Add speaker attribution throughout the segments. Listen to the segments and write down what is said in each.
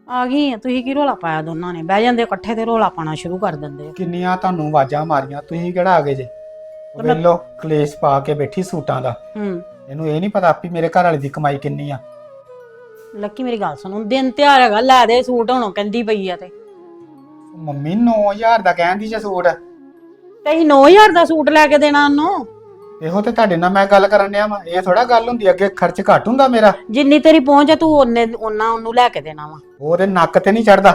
Speaker 1: ਆ ਗਈ ਤੁਸੀਂ ਕੀ ਰੋਲਾ ਪਾਇਆ ਦੋਨਾਂ ਨੇ? ਬਹਿ ਜਾਂਦੇ ਇਕੱਠੇ ਤੇ ਰੋਲਾ ਪਾਣਾ ਸ਼ੁਰੂ ਕਰ ਦਿੰਦੇ ਹੋ।
Speaker 2: ਕਿੰਨੀਆਂ ਤੁਹਾਨੂੰ ਆਵਾਜ਼ਾਂ ਮਾਰੀਆਂ, ਤੁਸੀਂ ਕਿਹੜਾ ਆ ਗਏ ਜੇ? ਵੇਲੋ ਕਲੇਸ਼ ਪਾ ਕੇ ਬੈਠੀ ਸੂਟਾਂ ਦਾ। ਇਹਨੂੰ ਇਹ ਨਹੀਂ ਪਤਾ ਵੀ ਮੇਰੇ ਘਰ ਵਾਲੇ ਦੀ ਕਮਾਈ ਕਿੰਨੀ ਆ।
Speaker 1: ਲੱਕੀ ਮੇਰੀ ਗੱਲ ਸੁਣੋ, ਦਿਨ ਤਿਉਹਾਰ ਹੈਗਾ, ਲੈ ਦੇ ਸੂਟ ਹੁਣ ਕਹਿੰਦੀ ਪਈ ਆ ਤੇ
Speaker 2: ਮੰਮੀ 9000 ਦਾ ਕਹਿੰਦੀ ਜੇ ਸੂਟ।
Speaker 1: ਤੇ ਅਸੀਂ 9000 ਦਾ ਸੂਟ ਲੈ ਕੇ ਦੇਣਾ ਉਹਨੂੰ।
Speaker 2: ਇਹੋ ਤੇ ਤੁਹਾਡੇ ਨਾਲ ਮੈਂ ਗੱਲ ਕਰਨ ਡਿਆ ਵਾ, ਇਹ ਥੋੜਾ ਗੱਲ ਹੁੰਦੀ, ਅੱਗੇ ਖਰਚ ਘੱਟ ਹੁੰਦਾ ਮੇਰਾ।
Speaker 1: ਜਿੰਨੀ ਤੇਰੀ ਪਹੁੰਚ ਆ ਤੂੰ ਉਹਨਾਂ ਉਹਨੂੰ ਲੈ ਕੇ ਦੇਣਾ ਵਾ।
Speaker 2: ਉਹਦੇ ਨੱਕ ਤੇ ਨਹੀਂ ਚੜਦਾ।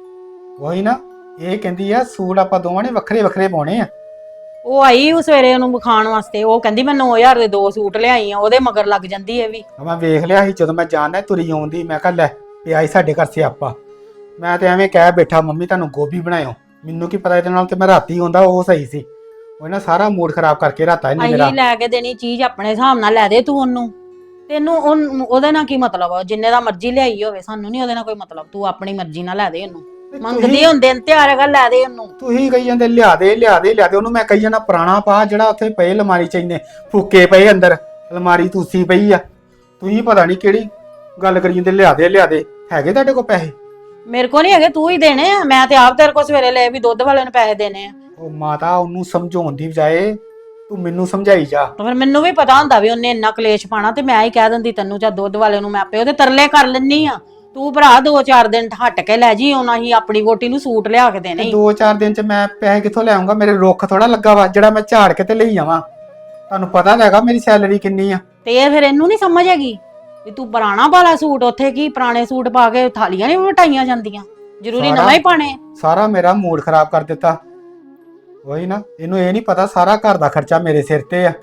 Speaker 2: ਉਹੀ ਨਾ, ਇਹ ਕਹਿੰਦੀ ਆ ਸੂਟ ਆਪਾਂ ਦੋਵਾਂ ਨੇ ਵੱਖਰੇ ਵੱਖਰੇ ਪਾਉਣੇ ਆ।
Speaker 1: ਉਹ ਆਈ ਉਹ ਸਵੇਰੇ ਉਹਨੂੰ ਵਿਖਾਉਣ ਵਾਸਤੇ, ਉਹ ਕਹਿੰਦੀ ਮੈਂ 9000 ਦੇ 2 ਸੂਟ ਲਿਆਈ ਆ, ਉਹਦੇ ਮਗਰ ਲੱਗ ਜਾਂਦੀ ਇਹ ਵੀ।
Speaker 2: ਮੈਂ ਵੇਖ ਲਿਆ ਸੀ ਜਦੋਂ ਮੈਂ ਜਾਣਦਾ ਤੁਰੀ ਆਉਂਦੀ, ਮੈਂ ਕਿਹਾ ਲੈ ਵੀ ਆਈ ਸਾਡੇ ਘਰ ਸਿਆਪਾ। ਮੈਂ ਤੇ ਐਵੇਂ ਕਹਿ ਬੈਠਾ ਮੰਮੀ ਤੁਹਾਨੂੰ ਗੋਭੀ ਬਣਾਇਓ, ਮੈਨੂੰ ਕੀ ਪਤਾ ਇਹਦੇ ਨਾਲ ਤੇ ਮੈਂ ਰਾਤੀ ਆਉਂਦਾ ਉਹ ਸਹੀ ਸੀ। ਉਹ ਨਾ ਸਾਰਾ ਮੂਡ ਖਰਾਬ ਕਰਕੇ ਰਾਤਾ ਇਹਨੇ ਮੇਰਾ।
Speaker 1: ਅਸੀਂ ਲੈ ਕੇ ਦੇਣੀ ਚੀਜ਼ ਆਪਣੇ ਹਿਸਾਬ ਨਾਲ ਲੈ ਦੇ ਤੂੰ ਉਹਨੂੰ। ਤੈਨੂੰ ਉਹਦੇ ਨਾਲ ਕੀ ਮਤਲਬ ਆ? ਜਿੰਨੇ ਦਾ ਮਰਜ਼ੀ ਲਿਆਈ ਹੋਵੇ, ਸਾਨੂੰ ਨਹੀਂ ਉਹਦੇ ਨਾਲ ਕੋਈ ਮਤਲਬ। ਤੂੰ ਆਪਣੀ ਮਰਜ਼ੀ ਨਾਲ ਲੈ ਦੇ ਉਹਨੂੰ। ਮੰਗਦੀ ਹੁੰਦੇ ਦਿਨ ਤਿਉਹਾਰ ਹੈਗਾ, ਲੈ ਦੇ ਉਹਨੂੰ।
Speaker 2: ਤੁਸੀਂ ਕਹੀ ਜਾਂਦੇ ਲਿਆ ਦੇ ਲਿਆ ਦੇ ਲਿਆ ਦੇ, ਉਹਨੂੰ ਮੈਂ ਕਹੀ ਜਾਂਦਾ ਪੁਰਾਣਾ ਪਾ ਜਿਹੜਾ ਉੱਥੇ ਪਏ ਅਲਮਾਰੀ ਚ ਇੰਨੇ ਫੁੱਕੇ ਪਏ ਅੰਦਰ, ਅਲਮਾਰੀ ਤੁਸੀਂ ਪਈ ਆ। ਤੁਸੀਂ ਪਤਾ ਨਹੀਂ ਕਿਹੜੀ ਗੱਲ ਕਰੀ ਜਾਂਦੇ ਲਿਆ ਦੇ ਲਿਆ ਦੇ। ਹੈਗੇ ਤੁਹਾਡੇ ਕੋਲ ਪੈਸੇ?
Speaker 1: ਮੇਰੇ ਕੋਲ ਨਹੀਂ ਹੈਗੇ, ਤੂੰ ਹੀ ਦੇਣੇ ਆ। ਮੈਂ ਤੇ ਆਪ ਤੇਰੇ ਕੋਲ ਸਵੇਰੇ ਲਏ ਵੀ ਦੁੱਧ ਵਾਲੇ ਨੂੰ ਪੈਸੇ ਦੇਣੇ ਆ।
Speaker 2: ਉਹ ਮਾਤਾ, ਉਹਨੂੰ ਸਮਝਾਉਣ ਦੀ ਬਜਾਏ ਤੂੰ ਮੈਨੂੰ ਸਮਝਾਈ ਜਾ।
Speaker 1: ਤਾਂ ਫਿਰ ਮੈਨੂੰ ਵੀ ਪਤਾ ਹੁੰਦਾ ਵੀ ਉਹਨੇ ਇੰਨਾ ਕਲੇਸ਼ ਪਾਣਾ, ਤੇ ਮੈਂ ਹੀ ਕਹਿ ਦਿੰਦੀ ਤੈਨੂੰ ਜਾਂ ਦੁੱਧ ਵਾਲੇ ਨੂੰ। ਮੈਂ ਆਪੇ ਉਹਦੇ ਤਰਲੇ ਕਰ ਲੈਣੀ ਆ। ਤੂੰ ਭਰਾ 2-4 ਦਿਨ ਹਟ ਕੇ ਲੈ ਜੀ, ਉਹਨਾਂ ਹੀ ਆਪਣੀ ਵੋਟੀ ਨੂੰ ਸੂਟ ਲਿਆ ਕੇ ਦੇਣੇ।
Speaker 2: 2-4 ਦਿਨ ਚ ਮੈਂ ਪੈਸੇ ਕਿੱਥੋਂ ਲੈ ਆਉਂਗਾ? ਮੇਰੇ ਰੁੱਖ ਥੋੜਾ ਲੱਗਾ ਵਾ ਜਿਹੜਾ ਮੈਂ ਝਾੜ ਕੇ ਤੇ ਲਈ ਆਵਾਂ। ਤੁਹਾਨੂੰ ਪਤਾ ਤਾਂ ਹੈਗਾ ਮੇਰੀ ਸੈਲਰੀ ਕਿੰਨੀ ਆ।
Speaker 1: ਤੇ ਇਹ ਫਿਰ ਇਹਨੂੰ ਨਹੀਂ ਸਮਝ ਹੈਗੀ ਵੀ ਤੂੰ ਪੁਰਾਣਾ ਵਾਲਾ ਸੂਟ, ਉੱਥੇ ਕੀ ਪੁਰਾਣੇ ਸੂਟ ਪਾ ਕੇ ਥਾਲੀਆਂ ਨਹੀਂ ਵਟਾਈਆਂ ਜਾਂਦੀਆਂ? ਜ਼ਰੂਰੀ ਨਵਾਂ ਹੀ ਪਾਣੇ?
Speaker 2: ਸਾਰਾ ਮੇਰਾ ਮੂਡ ਖਰਾਬ ਕਰ ਦਿੱਤਾ। ਉਹੀ ਨਾ, ਇਹਨੂੰ ਇਹ ਨਹੀਂ ਪਤਾ ਸਾਰਾ ਘਰ ਦਾ ਖਰਚਾ ਮੇਰੇ ਸਿਰ ਤੇ ਆ।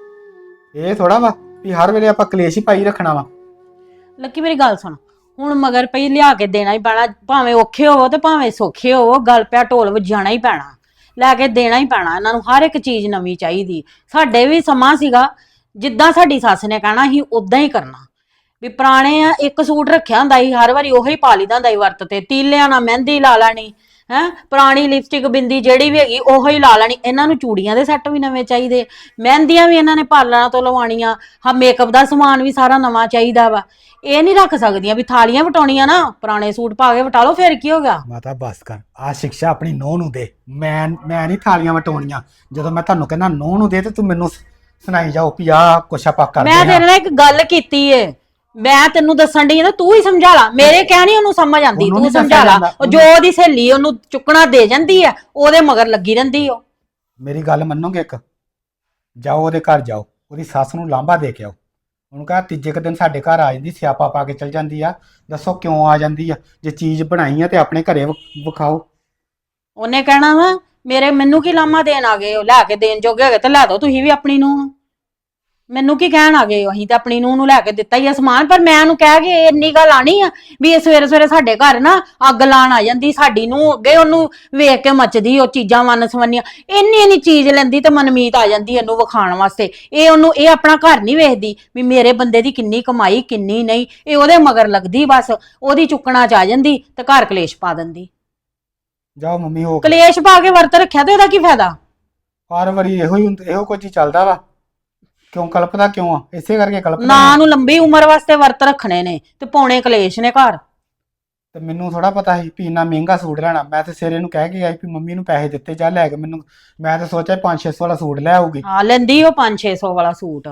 Speaker 2: ਇਹ ਥੋੜਾ ਵਾ ਵੀ ਹਰ ਵੇਲੇ ਆਪਾਂ ਕਲੇਸ਼ ਹੀ ਪਾਈ ਰੱਖਣਾ ਵਾ।
Speaker 1: ਲੱਕੀ ਮੇਰੀ ਗੱਲ ਸੁਣ, ਹੁਣ ਮਗਰ ਪਈ ਲਿਆ ਕੇ ਦੇਣਾ ਹੀ ਪੈਣਾ, ਭਾਵੇਂ ਔਖੇ ਹੋਵੋ ਤੇ ਭਾਵੇਂ ਸੌਖੇ ਹੋਵੋ। ਗੱਲ ਪਿਆ ਢੋਲ ਵਜਾਣਾ ਹੀ ਪੈਣਾ, ਲੈ ਕੇ ਦੇਣਾ ਹੀ ਪੈਣਾ ਇਹਨਾਂ ਨੂੰ। ਹਰ ਇੱਕ ਚੀਜ਼ ਨਵੀਂ ਚਾਹੀਦੀ। ਸਾਡੇ ਵੀ ਸਮਾਂ ਸੀਗਾ, ਜਿੱਦਾਂ ਸਾਡੀ ਸੱਸ ਨੇ ਕਹਿਣਾ ਸੀ ਉਦਾਂ ਹੀ ਕਰਨਾ। ਵੀ ਪੁਰਾਣੇ ਆ, ਇੱਕ ਸੂਟ ਰੱਖਿਆ ਹੁੰਦਾ ਸੀ, ਹਰ ਵਾਰੀ ਉਹੀ ਪਾ ਲਈਦਾ ਹੁੰਦਾ ਸੀ ਵਰਤ ਤੇ। ਤੀਲਿਆਂ ਨਾਲ ਮਹਿੰਦੀ ਲਾ ਲੈਣੀ ਹੈ, ਪੁਰਾਣੀ ਲਿਪਸਟਿਕ ਬਿੰਦੀ ਜਿਹੜੀ ਵੀ ਹੈਗੀ ਉਹੀ ਲਾ ਲੈਣੀ। ਇਹਨਾਂ ਨੂੰ ਚੂੜੀਆਂ ਦੇ ਸੈੱਟ ਵੀ ਨਵੇਂ ਚਾਹੀਦੇ, ਮਹਿੰਦੀਆਂ ਵੀ ਇਹਨਾਂ ਨੇ ਪਾਰਲਰਾਂ ਤੋਂ ਲਵਾਉਣੀਆਂ, ਹਾਂ ਮੇਕਅਪ ਦਾ ਸਮਾਨ ਵੀ ਸਾਰਾ ਨਵਾਂ ਚਾਹੀਦਾ ਵਾ। ਇਹ ਨਹੀਂ ਰੱਖ ਸਕਦੀਆਂ ਵੀ ਥਾਲੀਆਂ ਵਟਾਉਣੀਆਂ ਨਾ, ਪੁਰਾਣੇ ਸੂਟ ਪਾ ਕੇ ਵਟਾ ਲਓ, ਫਿਰ ਕੀ ਹੋ ਗਿਆ?
Speaker 2: ਮਾਤਾ ਬਸ ਕਰ, ਆ ਸਿੱਖਿਆ ਆਪਣੀ ਨੂੰਹ ਨੂੰ ਦੇ। ਮੈਂ ਨਹੀਂ ਥਾਲੀਆਂ ਵਟਾਉਣੀਆਂ। ਜਦੋਂ ਮੈਂ ਤੁਹਾਨੂੰ ਕਹਿੰਦਾ ਨੂੰਹ ਨੂੰ ਦੇ ਤੇ ਤੂੰ ਮੈਨੂੰ ਸੁਣਾਈ ਜਾਓ ਵੀ ਆ ਕੁਛ ਆਪਾਂ ਕਰਦੇ
Speaker 1: ਮੈਂ ਤੇਰੇ ਨਾਲ ਇੱਕ ਗੱਲ ਕੀਤੀ ਏ, ਮੈਂ ਤੈਨੂੰ ਦੱਸਣ ਡਈ ਆ, ਤੂੰ ਹੀ ਸਮਝਾ ਲਾ। ਮੇਰੇ ਕਹਿਣੀ ਉਹਨੂੰ ਸਮਝ ਆਂਦੀ, ਤੂੰ ਸਮਝਾ ਲਾ। ਜੋ ਉਹਦੀ ਸਹੇਲੀ ਉਹਨੂੰ ਚੁੱਕਣਾ ਦੇ ਜਾਂਦੀ ਆ, ਉਹਦੇ ਮਗਰ ਲੱਗੀ ਰਹਿੰਦੀ ਓ।
Speaker 2: ਮੇਰੀ ਗੱਲ ਮੰਨੋਗੇ? ਇੱਕ ਜਾਓ ਉਹਦੇ ਘਰ ਜਾਓ, ਉਹਦੀ ਸੱਸ ਨੂੰ ਲਾਂਭਾ ਦੇ ਕੇ ਆਓ। ਉਹਨੂੰ ਕਹਾ ਤੀਜੇ ਕੁ ਦਿਨ ਸਾਡੇ ਘਰ ਆ ਜਾਂਦੀ, ਸਿਆਪਾ ਪਾ ਕੇ ਚਲ ਜਾਂਦੀ ਆ। ਦੱਸੋ ਕਿਉਂ ਆ ਜਾਂਦੀ ਆ? ਜੇ ਚੀਜ਼ ਬਣਾਈ ਆ ਤੇ ਆਪਣੇ ਘਰੇ ਵਿਖਾਓ।
Speaker 1: ਉਹਨੇ ਕਹਿਣਾ ਵਾ ਮੈਨੂੰ ਕੀ ਲਾਮਾ ਦੇਣ ਆ ਗਏ ਹੋ? ਲੈ ਕੇ ਦੇਣ ਜੋਗੇ ਹੈਗੇ ਤੇ ਲੈ ਦੋ ਤੁਸੀਂ ਵੀ ਆਪਣੀ ਨੂੰ। ਮੈਨੂੰ ਕੀ ਕਹਿਣ ਆ ਗਏ ਹੋ? ਅਸੀਂ ਤਾਂ ਆਪਣੀ ਨੂੰ ਲੈ ਕੇ ਦਿੱਤਾ ਹੀ ਆ ਸਮਾਨ। ਪਰ ਮੈਂ ਉਹਨੂੰ ਕਹਿ ਕੇ ਇੰਨੀ ਗੱਲ ਆਣੀ ਆ ਵੀ ਇਹ ਸਵੇਰੇ ਸਵੇਰੇ ਸਾਡੇ ਘਰ ਨਾ ਅੱਗ ਲਾਣ ਆ ਜਾਂਦੀ ਸਾਡੀ ਨੂੰ। ਅੱਗੇ ਉਹਨੂੰ ਵੇਖ ਕੇ ਮੱਚਦੀ ਉਹ ਚੀਜ਼ਾਂ ਵੰਨ ਸਵੰਨੀਆਂ। ਇੰਨੀ ਚੀਜ਼ ਲੈਂਦੀ ਤੇ ਮਨਮੀਤ ਆ ਜਾਂਦੀ ਇਹਨੂੰ ਵਿਖਾਉਣ ਵਾਸਤੇ। ਇਹ ਆਪਣਾ ਘਰ ਨਹੀਂ ਵੇਖਦੀ ਵੀ ਮੇਰੇ ਬੰਦੇ ਦੀ ਕਿੰਨੀ ਕਮਾਈ ਕਿੰਨੀ ਨਹੀਂ। ਇਹ ਉਹਦੇ ਮਗਰ ਲੱਗਦੀ, ਬਸ ਉਹਦੀ ਚੁੱਕਣਾ ਚ ਆ ਜਾਂਦੀ ਤੇ ਘਰ ਕਲੇਸ਼ ਪਾ ਦਿੰਦੀ।
Speaker 2: ਜਾਓ ਮੰਮੀ, ਹੋ
Speaker 1: ਕਲੇਸ਼ ਪਾ ਕੇ ਵਰਤ ਰੱਖਿਆ ਤੇ ਉਹਦਾ ਕੀ ਫਾਇਦਾ?
Speaker 2: ਹਰ ਵਾਰੀ ਇਹੋ ਕੁਝ ਹੀ ਚੱਲਦਾ ਵਾ। ਕਿਉਂ ਕਲਪਦਾ ਕਿਉਂ ਆ? ਇਸੇ ਕਰਕੇ ਕਲਪਦਾ
Speaker 1: ਨਾ ਨੂੰ ਲੰਬੀ ਉਮਰ ਵਾਸਤੇ ਵਰਤ ਰੱਖਣੇ ਨੇ ਤੇ ਪਾਉਣੇ ਕਲੇਸ਼ ਨੇ ਘਰ।
Speaker 2: ਤੇ ਮੈਨੂੰ ਥੋੜਾ ਪਤਾ ਸੀ ਵੀ ਇੰਨਾ ਮਹਿੰਗਾ ਸੂਟ ਲੈਣਾ। ਮੈਂ ਤੇ ਸਿਰੇ ਨੂੰ ਕਹਿ ਕੇ ਆਈ ਵੀ ਮੰਮੀ ਨੂੰ ਪੈਸੇ ਦਿੱਤੇ ਜਾ ਲੈ ਕੇ ਮੈਨੂੰ। ਮੈਂ ਤਾਂ ਸੋਚਿਆ 500-600 ਵਾਲਾ ਸੂਟ ਲੈ ਆਊਗੀ।
Speaker 1: ਹਾਂ ਲੈਂਦੀ ਉਹ 500-600 ਵਾਲਾ ਸੂਟ।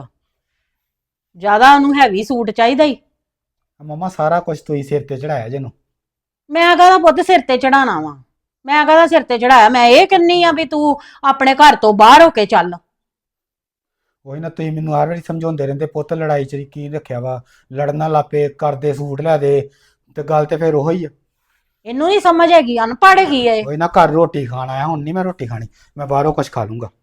Speaker 1: ਜ਼ਿਆਦਾ ਉਹਨੂੰ ਹੈਵੀ ਸੂਟ ਚਾਹੀਦਾ ਹੀ।
Speaker 2: ਮੰਮਾ ਸਾਰਾ ਕੁਝ ਤੁਸੀਂ ਸਿਰ ਤੇ ਚੜਾਇਆ ਜਿਹਨੂੰ।
Speaker 1: ਮੈਂ ਕਹਦਾ ਪੁੱਤ ਸਿਰ ਤੇ ਚੜਾਣਾ ਵਾ? ਮੈਂ ਕਹਦਾ ਸਿਰ ਤੇ ਚੜਾਇਆ? ਮੈਂ ਇਹ ਕਹਿੰਨੀ ਆ ਵੀ ਤੂੰ ਆਪਣੇ ਘਰ ਤੋਂ ਬਾਹਰ ਹੋ ਕੇ ਚੱਲ।
Speaker 2: ਉਹੀ ਨਾ, ਤੁਸੀਂ ਮੈਨੂੰ ਹਰ ਵਾਰੀ ਸਮਝਾਉਂਦੇ ਰਹਿੰਦੇ ਪੁੱਤ ਲੜਾਈ ਚ ਕੀ ਰੱਖਿਆ ਵਾ, ਲੜਨਾ ਲਾਪੇ ਕਰਦੇ ਸੂਟ ਲੈ ਦੇ। ਤੇ ਗੱਲ ਤੇ ਫਿਰ ਉਹੀ ਆ।
Speaker 1: ਇਹਨੂੰ ਨਹੀਂ ਸਮਝ ਹੈਗੀ, ਅਨਪੜ੍ਹ ਹੈਗੀ ਏ।
Speaker 2: ਉਹੀ ਨਾ, ਘਰ ਰੋਟੀ ਖਾਣ ਆਇਆ, ਹੁਣ ਨਹੀਂ ਮੈਂ ਰੋਟੀ ਖਾਣੀ, ਮੈਂ ਬਾਹਰੋਂ ਕੁਝ ਖਾ ਲੂੰਗਾ।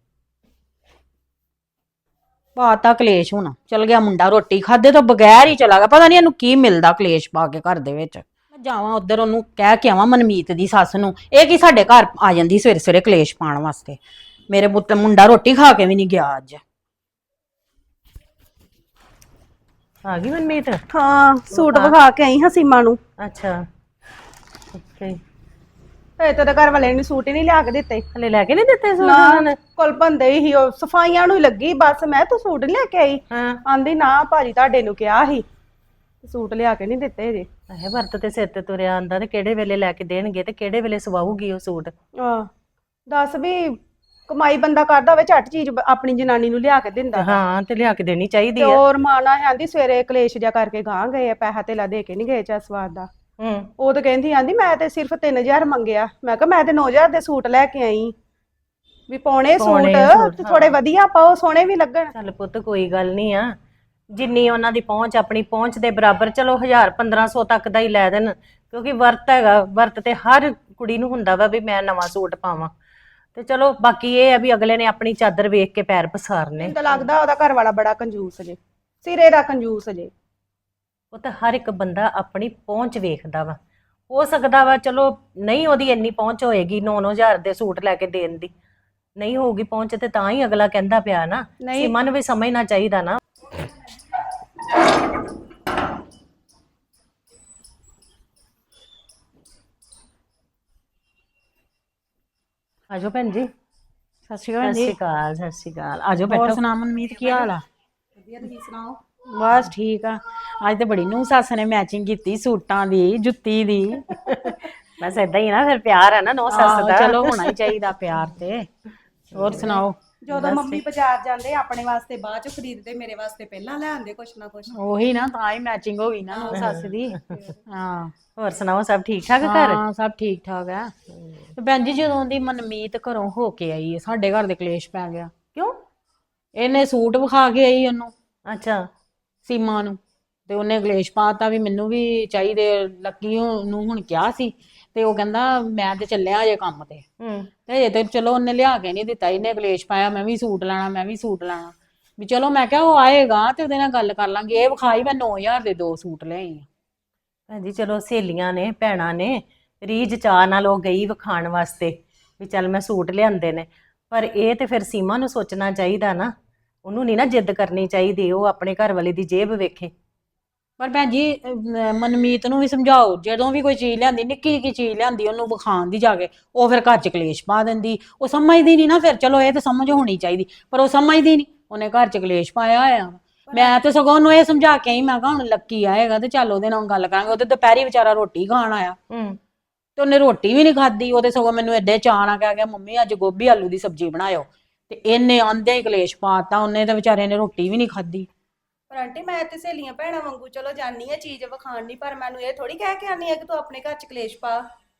Speaker 1: ਪਾਤਾ ਕਲੇਸ਼। ਹੁਣ ਚਲ ਗਿਆ ਮੁੰਡਾ, ਰੋਟੀ ਖਾਦੇ ਤੋਂ ਬਗੈਰ ਹੀ ਚਲਾ ਗਿਆ। ਪਤਾ ਨਹੀਂ ਇਹਨੂੰ ਕੀ ਮਿਲਦਾ ਕਲੇਸ਼ ਪਾ ਕੇ ਘਰ ਦੇ ਵਿੱਚ। ਮੈਂ ਜਾਵਾਂ ਉਧਰ ਉਹਨੂੰ ਕਹਿ ਕੇ ਆਵਾਂ ਮਨਮੀਤ ਦੀ ਸੱਸ ਨੂੰ, ਇਹ ਕੀ ਸਾਡੇ ਘਰ ਆ ਜਾਂਦੀ ਸਵੇਰੇ ਸਵੇਰੇ ਕਲੇਸ਼ ਪਾਉਣ ਵਾਸਤੇ। ਮੇਰੇ ਮੁੰਡਾ ਰੋਟੀ ਖਾ ਕੇ ਵੀ ਨਹੀਂ ਗਿਆ ਅੱਜ।
Speaker 3: ਆ ਗਈ ਮਨਮੀਤ?
Speaker 4: ਹਾਂ, ਸੂਟ ਵਿਖਾ ਕੇ ਆਈ ਹਾਂ ਸੀਮਾ ਨੂੰ।
Speaker 3: ਅੱਛਾ, ਓਕੇ।
Speaker 4: ਇਹ ਤੇਰੇ ਘਰ ਵਾਲੇ ਨੇ ਸੂਟ ਹੀ ਨਹੀਂ ਲਿਆ ਕੇ ਦਿੱਤੇ।
Speaker 3: ਹਲੇ ਲੈ ਕੇ ਨਹੀਂ ਦਿੱਤੇ ਸੂਟ ਉਹਨਾਂ ਨੇ?
Speaker 4: ਕੋਲ ਬੰਦੇ ਹੀ ਉਹ ਸਫਾਈਆਂ ਨੂੰ ਹੀ ਲੱਗੀ ਬਸ। ਮੈਂ ਤੂੰ ਸੂਟ ਨੀ ਲੈ ਕੇ ਆਈ?
Speaker 3: ਹਾਂ।
Speaker 4: ਆਂਦੀ ਨਾ ਭਾਜੀ ਤੁਹਾਡੇ ਨੂੰ ਕਿਹਾ ਸੀ। ਸੂਟ ਲਿਆ ਕੇ ਨਹੀਂ ਦਿੱਤੇ ਜੇ।
Speaker 3: ਇਹ ਵਰਤ ਤੇ ਸਿਰ ਤੇ ਤੁਰਿਆ ਆਂਦਾ ਤੇ ਕਿਹੜੇ ਵੇਲੇ ਲੈ ਕੇ ਦੇਣਗੇ ਤੇ ਕਿਹੜੇ ਵੇਲੇ ਸਵਾਊਗੀ ਉਹ ਸੂਟ।
Speaker 4: ਆਹ ਦੱਸ ਵੀ ਕਮਾਈ ਬੰਦਾ ਕਰਦਾ ਹੋਵੇ ਝੱਟ ਚੀਜ਼ ਆਪਣੀ ਜਨਾਨੀ ਨੂੰ ਲਿਆ ਕੇ ਦਿੰਦਾ।
Speaker 3: ਹਾਂ ਤੇ ਲਿਆ ਕੇ ਦੇਣੀ ਚਾਹੀਦੀ
Speaker 4: ਤੇ
Speaker 3: ਆ।
Speaker 4: ਹੋਰ ਮਾਨਾ ਆਂਦੀ ਸਵੇਰੇ ਕਲੇਸ਼ ਜਿਹਾ ਕਰਕੇ ਗਾਂ ਗਏ ਆ, ਪੈਸਾ ਧੇਲਾ ਦੇ ਕੇ ਨਹੀਂ ਗਏ ਚਾ ਸਵਾਦ ਦਾ। ਉਹ ਤਾਂ ਕਹਿੰਦੀ ਆਂਦੀ ਮੈਂ ਤੇ ਸਿਰਫ 3000 ਮੰਗਿਆ। ਮੈਂ ਕਿਹਾ ਮੈਂ ਤੇ 9000 ਦੇ ਸੂਟ ਲੈ ਕੇ ਆਈ ਵੀ ਪਾਉਣੇ ਸੂਟ ਤੇ ਥੋੜੇ ਵਧੀਆ ਪਾਓ, ਸੋਹਣੇ ਵੀ ਲੱਗਣ।
Speaker 3: ਚੱਲ ਪੁੱਤ ਕੋਈ ਗੱਲ ਨਹੀਂ ਆ, ਜਿੰਨੀ ਉਹਨਾਂ ਦੀ ਪਹੁੰਚ ਆਪਣੀ ਪਹੁੰਚ ਦੇ ਬਰਾਬਰ ਚਲੋ 1000-1500 ਤੱਕ ਦਾ ਹੀ ਲੈ ਦੇਣ, ਕਿਉਂਕਿ ਵਰਤ ਹੈਗਾ। ਵਰਤ ਤੇ ਹਰ ਕੁੜੀ ਨੂੰ ਹੁੰਦਾ ਵਾ ਵੀ ਮੈਂ ਨਵਾਂ ਸੂਟ ਪਾਵਾਂ। ਤੇ ਚਲੋ ਬਾਕੀ ਇਹ ਆ ਵੀ ਅਗਲੇ ਨੇ ਆਪਣੀ ਚਾਦਰ ਵੇਖ ਕੇ ਪੈਰ ਪਸਾਰਨੇ।
Speaker 4: ਮੈਨੂੰ ਤਾਂ ਲੱਗਦਾ ਉਹਦਾ ਘਰ ਵਾਲਾ ਬੜਾ ਕੰਜੂਸ ਜੇ, ਸਿਰੇ ਦਾ ਕੰਜੂਸ ਜੇ।
Speaker 3: ਉਹ ਤਾਂ ਹਰ ਇੱਕ ਬੰਦਾ ਆਪਣੀ ਪਹੁੰਚ ਵੇਖਦਾ ਵਾ। ਹੋ ਸਕਦਾ ਵਾ ਚਲੋ ਨਹੀਂ ਉਹਦੀ ਇੰਨੀ ਪਹੁੰਚ ਹੋਏਗੀ 9-9000 ਦੇ ਸੂਟ ਲੈ ਕੇ ਦੇਣ ਦੀ, ਨਹੀਂ ਹੋਊਗੀ ਪਹੁੰਚ ਤੇ ਤਾਂ ਹੀ ਅਗਲਾ ਕਹਿੰਦਾ ਪਿਆ ਨਾ। ਸੀਮਾ ਨੂੰ ਵੀ ਸਮਝਣਾ ਚਾਹੀਦਾ ਨਾ। ਆਜੋ ਭੈਣ ਜੀ।
Speaker 1: ਸਤਿ ਸ਼੍ਰੀ ਅਕਾਲ
Speaker 3: ਸਤਿ
Speaker 1: ਜੀ।
Speaker 3: ਸ਼੍ਰੀ ਅਕਾਲ, ਸਤਿ ਸ਼੍ਰੀ ਅਕਾਲ। ਆਜੋ
Speaker 1: ਹੋਰ
Speaker 3: ਬੈਠੋ।
Speaker 1: ਸੁਣਾ ਮਨਮੀਤ, ਕੀ ਹਾਲ ਆ?
Speaker 4: ਵਧੀਆ, ਤੁਸੀਂ ਸੁਣਾਓ?
Speaker 1: ਬਸ ਠੀਕ ਆ। ਅੱਜ ਤੇ ਬੜੀ ਨੂੰ ਸੱਸ ਨੇ ਮੈਚਿੰਗ ਕੀਤੀ ਸੂਟਾਂ ਦੀ, ਜੁੱਤੀ ਦੀ।
Speaker 3: ਬਸ ਏਦਾਂ ਹੀ ਨਾ, ਫਿਰ ਪਿਆਰ ਹੈ ਨਾ ਨੌ ਸੱਸ ਦਾ।
Speaker 1: ਚਲੋ ਹੋਣਾ ਹੀ ਚਾਹੀਦਾ ਪਿਆਰ ਤੇ। ਹੋਰ ਸੁਣਾਓ?
Speaker 4: ਜਦੋਂ ਮੰਮੀ ਬਾਜ਼ਾਰ ਜਾਂਦੇ ਆਪਣੇ ਵਾਸਤੇ ਬਾਅਦ ਚ ਖਰੀਦਦੇ, ਮੇਰੇ ਵਾਸਤੇ ਪਹਿਲਾਂ ਲੈ ਆਉਂਦੇ ਕੁਛ ਨਾ ਕੁਛ।
Speaker 1: ਉਹੀ ਨਾ, ਤਾਂ ਹੀ ਮੈਚਿੰਗ ਹੋ ਗਈ ਨਾ ਨੂੰ ਸੱਸ ਦੀ। ਹਾਂ
Speaker 3: ਹੋਰ ਸੁਣਾਓ, ਸਭ ਠੀਕ ਠਾਕ ਘਰ?
Speaker 1: ਹਾਂ ਸਭ ਠੀਕ ਠਾਕ ਆ। ਤੇ ਭੈਣ ਜੀ ਜਦੋਂ ਦੀ ਮਨਮੀਤ ਘਰੋਂ ਹੋ ਕੇ ਆਈ ਹੈ ਸਾਡੇ ਘਰ ਦੇ ਕਲੇਸ਼ ਪੈ ਗਿਆ।
Speaker 3: ਕਿਉਂ?
Speaker 1: ਇਹਨੇ ਸੂਟ ਵਿਖਾ ਕੇ ਆਈ ਉਹਨੂੰ,
Speaker 3: ਅੱਛਾ।
Speaker 1: ਸੀਮਾ ਨੂੰ, ਤੇ ਉਹਨੇ ਕਲੇਸ਼ ਪਾਤਾ ਵੀ ਮੈਨੂੰ ਵੀ ਚਾਹੀਦੇ। ਲੱਕੀ ਨੂੰ ਹੁਣ ਕਿਹਾ ਸੀ ਤੇ ਉਹ ਕਹਿੰਦਾ ਮੈਂ ਤੇ ਚੱਲਿਆ ਅਜੇ ਕੰਮ ਤੇ ਅਜੇ ਤੇ ਚਲੋ ਉਹਨੇ ਲਿਆ ਕੇ ਨਹੀਂ ਦਿੱਤਾ। ਇਹਨੇ ਕਲੇਸ਼ ਪਾਇਆ ਮੈਂ ਵੀ ਸੂਟ ਲੈਣਾ, ਮੈਂ ਵੀ ਸੂਟ ਲੈਣਾ। ਵੀ ਚਲੋ ਮੈਂ ਕਿਹਾ ਉਹ ਆਏਗਾ ਤੇ ਉਹਦੇ ਨਾਲ ਗੱਲ ਕਰ ਲਾਂਗੇ। ਇਹ ਵਿਖਾਈ ਮੈਂ 9000 ਦੇ 2 ਸੂਟ ਲਿਆਈ ਆ।
Speaker 3: ਹਾਂਜੀ ਚਲੋ ਸਹੇਲੀਆਂ ਨੇ, ਭੈਣਾਂ ਨੇ, ਰੀਝ ਚਾਹ ਨਾਲ ਉਹ ਗਈ ਵਿਖਾਣ ਵਾਸਤੇ ਵੀ ਚੱਲ ਮੈਂ ਸੂਟ ਲਿਆਂਦੇ ਨੇ। ਪਰ ਇਹ ਤੇ ਫਿਰ ਸੀਮਾ ਨੂੰ ਸੋਚਣਾ ਚਾਹੀਦਾ ਨਾ, ਉਹਨੂੰ ਨਹੀਂ ਨਾ ਜਿੱਦ ਕਰਨੀ ਚਾਹੀਦੀ। ਉਹ ਆਪਣੇ ਘਰ ਵਾਲੇ ਦੀ ਜੇਬ ਵੇਖੇ।
Speaker 1: ਪਰ ਭੈਣ ਜੀ ਮਨਮੀਤ ਨੂੰ ਵੀ ਸਮਝਾਓ, ਜਦੋਂ ਵੀ ਕੋਈ ਚੀਜ਼ ਲਿਆਂਦੀ, ਨਿੱਕੀ ਨਿੱਕੀ ਚੀਜ਼ ਲਿਆਂਦੀ ਉਹਨੂੰ ਵਿਖਾਣ ਦੀ ਜਾ ਕੇ, ਉਹ ਫਿਰ ਘਰ 'ਚ ਕਲੇਸ਼ ਪਾ ਦਿੰਦੀ। ਉਹ ਸਮਝਦੀ ਨਹੀਂ ਨਾ ਫਿਰ। ਚਲੋ ਇਹ ਤਾਂ ਸਮਝ ਹੋਣੀ ਚਾਹੀਦੀ, ਪਰ ਉਹ ਸਮਝਦੀ ਨਹੀਂ। ਉਹਨੇ ਘਰ 'ਚ ਕਲੇਸ਼ ਪਾਇਆ ਹੋਇਆ। ਮੈਂ ਤੇ ਸਗੋਂ ਉਹਨੂੰ ਇਹ ਸਮਝਾ ਕੇ ਆਈ, ਮੈਂ ਕਿਹਾ ਹੁਣ ਲੱਕੀ ਆਏਗਾ ਤੇ ਚੱਲ ਉਹਦੇ ਨਾਲ ਗੱਲ ਕਰਾਂਗੇ। ਉਹਦੇ ਦੁਪਹਿਰੀ ਵਿਚਾਰਾ ਰੋਟੀ ਖਾਣ ਆਇਆ ਤੇ ਉਹਨੇ ਰੋਟੀ ਵੀ ਨਹੀਂ ਖਾਧੀ। ਉਹਦੇ ਸਗੋਂ ਮੈਨੂੰ ਐਡੇ ਚਾਅ ਨਾਲ ਕਹਿ ਗਿਆ ਮੰਮੀ ਅੱਜ ਗੋਭੀ ਆਲੂ ਦੀ ਸਬਜ਼ੀ ਬਣਾਇਓ, ਤੇ ਇਹਨੇ ਆਂਦੇ ਹੀ ਕਲੇਸ਼ ਪਾਤਾ। ਉਹਨੇ ਤਾਂ ਵਿਚਾਰੇ ਨੇ ਰੋਟੀ ਵੀ ਨਹੀਂ ਖਾਧੀ।
Speaker 4: ਪਰ ਆਂਟੀ ਮੈਂ ਤੇ ਸਹੇਲੀਆਂ ਭੈਣਾਂ ਵਾਂਗੂ ਚਲੋ ਜਾਨੀ ਆ ਚੀਜ਼ ਵਿਖਾਣ ਨਹੀਂ, ਪਰ ਮੈਨੂੰ ਇਹ ਥੋੜੀ ਕਹਿ ਕੇ ਆਨੀ ਆ ਕਿ ਤੂੰ ਆਪਣੇ ਘਰ ਚ ਕਲੇਸ਼ ਪਾ।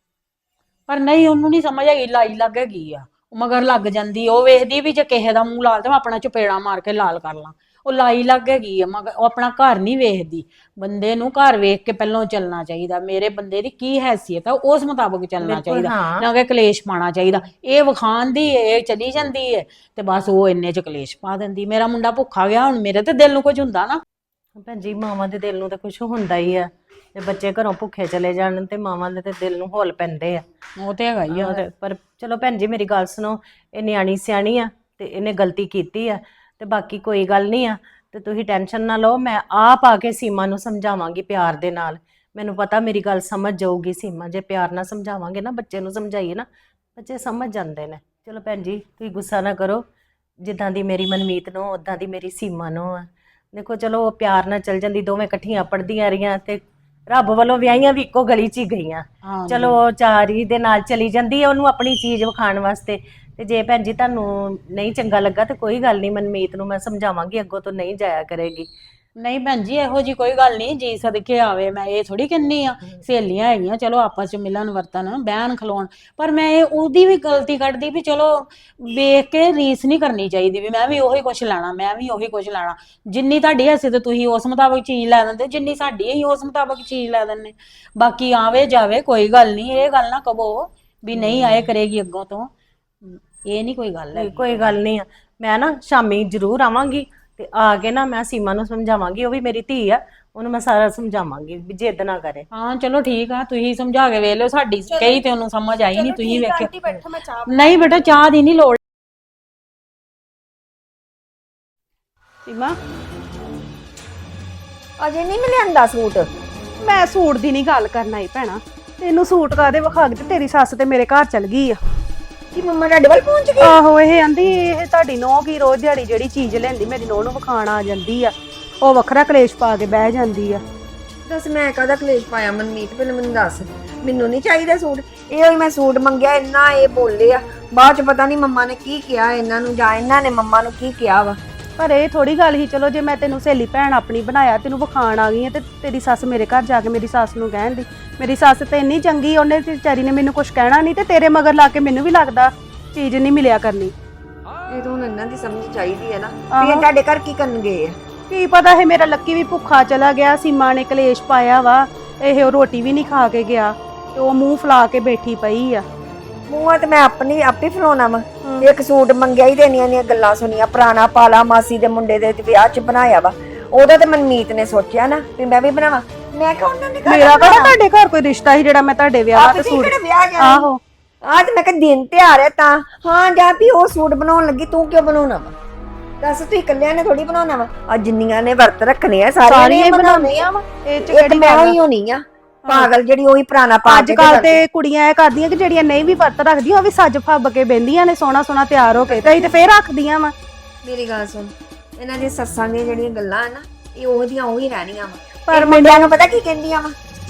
Speaker 1: ਪਰ ਨਹੀਂ, ਉਹਨੂੰ ਨਹੀਂ ਸਮਝ ਹੈਗੀ, ਲਾਈ ਲੱਗ ਹੈਗੀ ਆ। ਉਹ ਮਗਰ ਲੱਗ ਜਾਂਦੀ। ਉਹ ਵੇਖਦੀ ਵੀ ਜੇ ਕਿਸੇ ਦਾ ਮੂੰਹ ਲਾਲ ਤੇ ਮੈਂ ਆਪਣਾ ਚਪੇੜਾ ਮਾਰ ਕੇ ਲਾਲ ਕਰ ਲਾਂ। ਉਹ ਲਾਈ ਲੱਗ ਹੈਗੀ ਆ ਮਗਰ। ਉਹ ਆਪਣਾ ਘਰ ਨਹੀਂ ਵੇਖਦੀ। ਬੰਦੇ ਨੂੰ ਘਰ ਵੇਖ ਕੇ ਪਹਿਲਾਂ ਚੱਲਣਾ ਚਾਹੀਦਾ। ਮੇਰੇ ਬੰਦੇ ਦੀ ਕੀ ਹੈਸੀਅਤ ਆ ਉਸ ਮੁਤਾਬਕ ਚੱਲਣਾ ਚਾਹੀਦਾ, ਨਾ ਕਿ ਕਲੇਸ਼ ਪਾਉਣਾ ਚਾਹੀਦਾ। ਇਹ ਵਿਖਾਣ ਦੀ ਇਹ ਚਲੀ ਜਾਂਦੀ ਹੈ ਤੇ ਬਸ ਉਹ ਇੰਨੇ ਚ ਕਲੇਸ਼ ਪਾ ਦਿੰਦੀ। ਮੇਰਾ ਮੁੰਡਾ ਭੁੱਖਾ ਗਿਆ, ਹੁਣ ਮੇਰੇ ਤੇ ਦਿਲ ਨੂੰ ਕੁਝ ਹੁੰਦਾ ਨਾ।
Speaker 3: ਭੈਣ ਜੀ ਮਾਵਾਂ ਦੇ ਦਿਲ ਨੂੰ ਤਾਂ ਕੁਝ ਹੁੰਦਾ ਹੀ ਆ। ਜੇ ਬੱਚੇ ਘਰੋਂ ਭੁੱਖੇ ਚਲੇ ਜਾਣ ਤੇ ਮਾਵਾਂ ਦੇ ਤੇ ਦਿਲ ਨੂੰ ਹੌਲ ਪੈਂਦੇ ਆ।
Speaker 1: ਉਹ ਤੇ ਹੈਗਾ ਹੀ ਆ।
Speaker 3: ਪਰ ਚਲੋ ਭੈਣ ਜੀ ਮੇਰੀ ਗੱਲ ਸੁਣੋ, ਇਹ ਨਿਆਣੀ ਸਿਆਣੀ ਆ ਤੇ ਇਹਨੇ ਗਲਤੀ ਕੀਤੀ ਆ ਤੇ ਬਾਕੀ ਕੋਈ ਗੱਲ ਨਹੀਂ ਆ। ਤੇ ਤੁਸੀਂ ਟੈਨਸ਼ਨ ਨਾ ਲਓ, ਮੈਂ ਆਪ ਆ ਕੇ ਸੀਮਾ ਨੂੰ ਸਮਝਾਵਾਂਗੀ ਪਿਆਰ ਦੇ ਨਾਲ। ਮੈਨੂੰ ਪਤਾ ਮੇਰੀ ਗੱਲ ਸਮਝ ਜਾਊਗੀ ਸੀਮਾ। ਜੇ ਪਿਆਰ ਨਾਲ ਸਮਝਾਵਾਂਗੇ ਨਾ, ਬੱਚੇ ਨੂੰ ਸਮਝਾਈਏ ਨਾ, ਬੱਚੇ ਸਮਝ ਜਾਂਦੇ ਨੇ। ਚਲੋ ਭੈਣ ਜੀ ਤੁਸੀਂ ਗੁੱਸਾ ਨਾ ਕਰੋ। ਜਿੱਦਾਂ ਦੀ ਮੇਰੀ ਮਨਮੀਤ ਨੂੰ ਉਦਾਂ ਦੀ ਮੇਰੀ ਸੀਮਾ ਨੂੰ ਆ। ਦੇਖੋ ਚਲੋ ਉਹ ਪਿਆਰ ਨਾਲ ਚੱਲ ਜਾਂਦੀ, ਦੋਵੇਂ ਇਕੱਠੀਆਂ ਪੜ੍ਹਦੀਆਂ ਰਹੀਆਂ ਤੇ ਰੱਬ ਵੱਲੋਂ ਵਿਆਹੀਆਂ ਵੀ ਇੱਕੋ ਗਲੀ 'ਚ ਹੀ ਗਈਆਂ। ਚਲੋ ਉਹ ਚਾਰੀ ਦੇ ਨਾਲ ਚਲੀ ਜਾਂਦੀ ਹੈ ਉਹਨੂੰ ਆਪਣੀ ਚੀਜ਼ ਵਿਖਾਣ ਵਾਸਤੇ। ਤੇ ਜੇ ਭੈਣ ਜੀ ਤੁਹਾਨੂੰ ਨਹੀਂ ਚੰਗਾ ਲੱਗਾ ਤੇ ਕੋਈ ਗੱਲ ਨਹੀਂ, ਮਨਮੀਤ ਨੂੰ ਮੈਂ ਸਮਝਾਵਾਂਗੀ, ਅੱਗੋਂ ਤੋਂ ਨਹੀਂ ਜਾਇਆ ਕਰੇਗੀ।
Speaker 1: ਨਹੀਂ ਭੈਣ ਜੀ ਇਹੋ ਜੀ ਕੋਈ ਗੱਲ ਨਹੀਂ, ਜੀ ਸਦਕੇ ਆਵੇ। ਮੈਂ ਇਹ ਥੋੜੀ ਕਹਿੰਨੀ ਆ, ਸਹੇਲੀਆਂ ਹੈਗੀਆਂ ਚਲੋ ਆਪਸ ਚ ਮਿਲਣ ਵਰਤਨ, ਬਹਿਣ ਖਲੋਣ। ਪਰ ਮੈਂ ਇਹ ਉਹਦੀ ਵੀ ਗਲਤੀ ਕੱਢਦੀ ਵੀ ਚਲੋ ਵੇਖ ਕੇ ਰੀਸ ਨਹੀਂ ਕਰਨੀ ਚਾਹੀਦੀ ਵੀ ਮੈਂ ਵੀ ਉਹੀ ਕੁਛ ਲੈਣਾ, ਮੈਂ ਵੀ ਉਹੀ ਕੁਛ ਲੈਣਾ। ਜਿੰਨੀ ਤੁਹਾਡੀ ਹੈਸੀਅਤ ਤੁਸੀਂ ਉਸ ਮੁਤਾਬਕ ਚੀਜ਼ ਲੈ ਦਿੰਦੇ, ਜਿੰਨੀ ਸਾਡੀ ਅਸੀਂ ਉਸ ਮੁਤਾਬਕ ਚੀਜ਼ ਲੈ ਦਿੰਦੇ। ਬਾਕੀ ਆਵੇ ਜਾਵੇ ਕੋਈ ਗੱਲ ਨਹੀਂ, ਇਹ ਗੱਲ ਨਾ ਕਹੋ ਵੀ ਨਹੀਂ ਆਏ ਕਰੇਗੀ ਅੱਗੋਂ ਤੋਂ। ਇਹ ਨਹੀਂ ਕੋਈ ਗੱਲ ਹੈ।
Speaker 3: ਕੋਈ ਗੱਲ ਨਹੀਂ ਆ। ਮੈਂ ਨਾ ਸ਼ਾਮੀ ਜ਼ਰੂਰ ਆਵਾਂਗੀ ਤੇ ਆ ਕੇ ਨਾ ਮੈਂ ਸੀਮਾ ਨੂੰ ਸਮਝਾਵਾਂਗੀ। ਉਹ ਵੀ ਮੇਰੀ ਧੀ ਆ, ਉਹਨੂੰ ਮੈਂ ਸਾਰਾ ਸਮਝਾਵਾਂਗੀ ਵੀ ਜਿੱਦ ਨਾ ਕਰੇ।
Speaker 1: ਹਾਂ ਚਲੋ ਠੀਕ ਆ, ਤੁਸੀਂ ਸਮਝਾ ਕੇ ਵੇਖ ਲਿਓ। ਸਾਡੀ ਕਹੀ ਤੇ ਉਹਨੂੰ ਸਮਝ ਆਈ ਨਹੀਂ, ਤੁਸੀਂ ਵੇਖਿਓ।
Speaker 4: ਆਂਟੀ ਬੈਠੋ, ਮੈਂ ਚਾਹ
Speaker 1: ਨਹੀਂ ਬੇਟਾ ਚਾਹ ਦੀ ਨਹੀਂ ਲੋੜ।
Speaker 4: ਸੀਮਾ
Speaker 5: ਅਜੇ ਨਹੀਂ ਮਿਲਿਆਂਦਾ ਸੂਟ।
Speaker 4: ਮੈਂ ਸੂਟ ਦੀ ਨਹੀਂ ਗੱਲ ਕਰਨਾ ਹੀ ਭੈਣਾ। ਤੈਨੂੰ ਸੂਟ ਕਾਦੇ ਵਿਖਾ ਕੇ ਤੇ ਤੇਰੀ ਸੱਸ ਤੇ ਮੇਰੇ ਘਰ ਚਲ ਗਈ ਆ।
Speaker 5: ਕਿ ਮੰਮਾ ਤੁਹਾਡੇ ਵੱਲ ਪਹੁੰਚ ਗਈ?
Speaker 4: ਆਹੋ ਇਹ ਆਂਦੀ ਇਹ ਤੁਹਾਡੀ ਨੋਹ ਕੀ ਰੋਜ਼ ਦਿਹਾੜੀ ਜਿਹੜੀ ਚੀਜ਼ ਲੈਂਦੀ ਮੇਰੀ ਨੋਹ ਨੂੰ ਵਿਖਾਣ ਆ ਜਾਂਦੀ ਆ, ਉਹ ਵੱਖਰਾ ਕਲੇਸ਼ ਪਾ ਕੇ ਬਹਿ ਜਾਂਦੀ ਆ।
Speaker 5: ਦੱਸ ਮੈਂ ਕਾਹਦਾ ਕਲੇਸ਼ ਪਾਇਆ ਮਨਮੀਤ, ਪਹਿਲਾਂ ਮੈਨੂੰ ਦੱਸ। ਮੈਨੂੰ ਨਹੀਂ ਚਾਹੀਦਾ ਸੂਟ। ਇਹੋ ਹੀ ਮੈਂ ਸੂਟ ਮੰਗਿਆ, ਇੰਨਾ ਇਹ ਬੋਲੇ ਆ। ਬਾਅਦ ਚ ਪਤਾ ਨਹੀਂ ਮੰਮਾ ਨੇ ਕੀ ਕਿਹਾ ਇਹਨਾਂ ਨੂੰ, ਜਾਂ ਇਹਨਾਂ ਨੇ ਮੰਮਾ ਨੂੰ ਕੀ ਕਿਹਾ ਵਾ।
Speaker 4: ਪਰ ਇਹ ਥੋੜੀ ਗੱਲ ਹੀ, ਚਲੋ ਜੇ ਮੈਂ ਤੈਨੂੰ ਸਹੇਲੀ ਭੈਣ ਆਪਣੀ ਬਣਾਇਆ, ਤੈਨੂੰ ਵਿਖਾਣ ਆ ਗਈ ਆ, ਤੇ ਤੇਰੀ ਸੱਸ ਮੇਰੇ ਘਰ ਜਾ ਕੇ ਮੇਰੀ ਸੱਸ ਨੂੰ ਕਹਿਣ ਦੀ। ਮੇਰੀ ਸੱਸ ਤੇ ਇੰਨੀ ਚੰਗੀ, ਉਹਨੇ ਤੇ ਵਿਚਾਰੀ ਨੇ ਮੈਨੂੰ ਕੁਝ ਕਹਿਣਾ ਨਹੀਂ, ਤੇ ਤੇਰੇ ਮਗਰ ਲਾ ਕੇ ਮੈਨੂੰ ਵੀ ਲੱਗਦਾ ਚੀਜ਼ ਨਹੀਂ ਮਿਲਿਆ ਕਰਨੀ।
Speaker 5: ਇਹ ਤਾਂ ਹੁਣ ਇਹਨਾਂ ਦੀ ਸਮਝ ਚਾਹੀਦੀ ਹੈ ਨਾ ਵੀ
Speaker 4: ਆਹੋ।
Speaker 5: ਇਹ ਤੁਹਾਡੇ ਘਰ ਕੀ ਕਰਨ ਗਏ ਆ।
Speaker 4: ਕੀ ਪਤਾ ਹੈ, ਮੇਰਾ ਲੱਕੀ ਵੀ ਭੁੱਖਾ ਚਲਾ ਗਿਆ, ਸੀਮਾ ਨੇ ਕਲੇਸ਼ ਪਾਇਆ ਵਾ, ਇਹ ਉਹ ਰੋਟੀ ਵੀ ਨਹੀਂ ਖਾ ਕੇ ਗਿਆ, ਤੇ ਉਹ ਮੂੰਹ ਫੁਲਾ ਕੇ ਬੈਠੀ ਪਈ ਆ।
Speaker 5: ਮੂੰਹਾਂ ਤੇ ਮੈਂ ਆਪੇ ਫਲਾਉਣਾ ਵਾ। ਇੱਕ ਸੂਟ ਮੰਗਿਆ ਹੀ ਦੇਣੀਆਂ ਦੀਆਂ ਗੱਲਾਂ ਸੁਣੀਆਂ, ਪੁਰਾਣਾ ਪਾਲਾ ਮਾਸੀ ਦੇ ਮੁੰਡੇ ਦੇ ਵਿਆਹ 'ਚ ਬਣਾਇਆ ਵਾ। ਉਹਦਾ ਤੇ ਮਨਮੀਤ ਨੇ ਸੋਚਿਆ ਨਾ ਵੀ ਮੈਂ ਵੀ ਬਣਾਵਾਂ। ਮੈਂ ਕਿਹਾ ਉਹਨਾਂ ਨੇ
Speaker 4: ਮੇਰਾ ਕਿਹੜਾ ਤੁਹਾਡੇ ਘਰ ਕੋਈ ਰਿਸ਼ਤਾ ਸੀ ਜਿਹੜਾ ਮੈਂ ਤੁਹਾਡੇ ਵਿਆਹ ਤੇ ਸੂਟ।
Speaker 5: ਵਿਆਹ ਜਾਣਾ।
Speaker 4: ਆਹੋ,
Speaker 5: ਆਹ ਤੇ ਮੈਂ ਕਿਹਾ ਦਿਨ ਤਿਉਹਾਰ ਹੈ ਤਾਂ ਹਾਂ ਜਾਂ ਵੀ ਉਹ ਸੂਟ ਬਣਾਉਣ ਲੱਗੀ, ਤੂੰ ਕਿਉਂ ਬਣਾਉਣਾ ਵਾ? ਦੱਸ, ਤੂੰ ਇਕੱਲਿਆਂ ਨੇ ਥੋੜੀ ਬਣਾਉਣਾ ਵਾ। ਆ ਜਿੰਨੀਆਂ ਨੇ ਵਰਤ ਰੱਖਣੇ ਆ ਸਾਰੀਆਂ
Speaker 4: ਸਾਰੀਆਂ
Speaker 5: ਨੇ
Speaker 4: ਹੀ
Speaker 5: ਬਣਾਉਣੇ
Speaker 4: ਬਣਾਉਂਦੀਆਂ ਵਾ, ਇਹ ਚ
Speaker 5: ਇੱਕ
Speaker 4: ਕਿਹੜੀ
Speaker 5: ਮੈਂ
Speaker 4: ਗੱਲ
Speaker 5: ਹੀ ਹੋਣੀ ਆ ਪਾਗਲ, ਜਿਹੜੀ ਉਹੀ ਪੁਰਾਣਾ ਪਾ
Speaker 4: ਅੱਜ ਕੱਲ ਤੇ ਕੁੜੀਆਂ ਇਹ ਕਰਦੀਆਂ ਕਿ ਜਿਹੜੀਆਂ ਨਹੀਂ ਵੀ ਵਰਤ ਰੱਖਦੀਆਂ, ਉਹ ਵੀ ਸੱਜ ਫੱਬ ਕੇ ਬਹਿੰਦੀਆਂ ਨੇ ਸੋਹਣਾ ਸੋਹਣਾ ਤਿਆਰ ਹੋ ਕੇ, ਤੇ ਅਸੀਂ ਤੇ ਫੇਰ ਰੱਖਦੀਆਂ ਵਾ।
Speaker 5: ਮੇਰੀ ਗੱਲ ਸੁਣ, ਇਹਨਾਂ ਦੀਆਂ ਸੱਸਾਂ ਦੀਆਂ ਜਿਹੜੀਆਂ ਗੱਲਾਂ ਆ ਨਾ, ਇਹ ਉਹਦੀਆਂ ਉਹੀ ਰਹਿਣੀਆਂ ਵਾ।
Speaker 4: ਪਰ
Speaker 5: ਪਰ ਮੁੰਡਿਆਂ ਨੂੰ ਪਤਾ ਕੀ ਕਹਿੰਦੀਆਂ ਵਾ?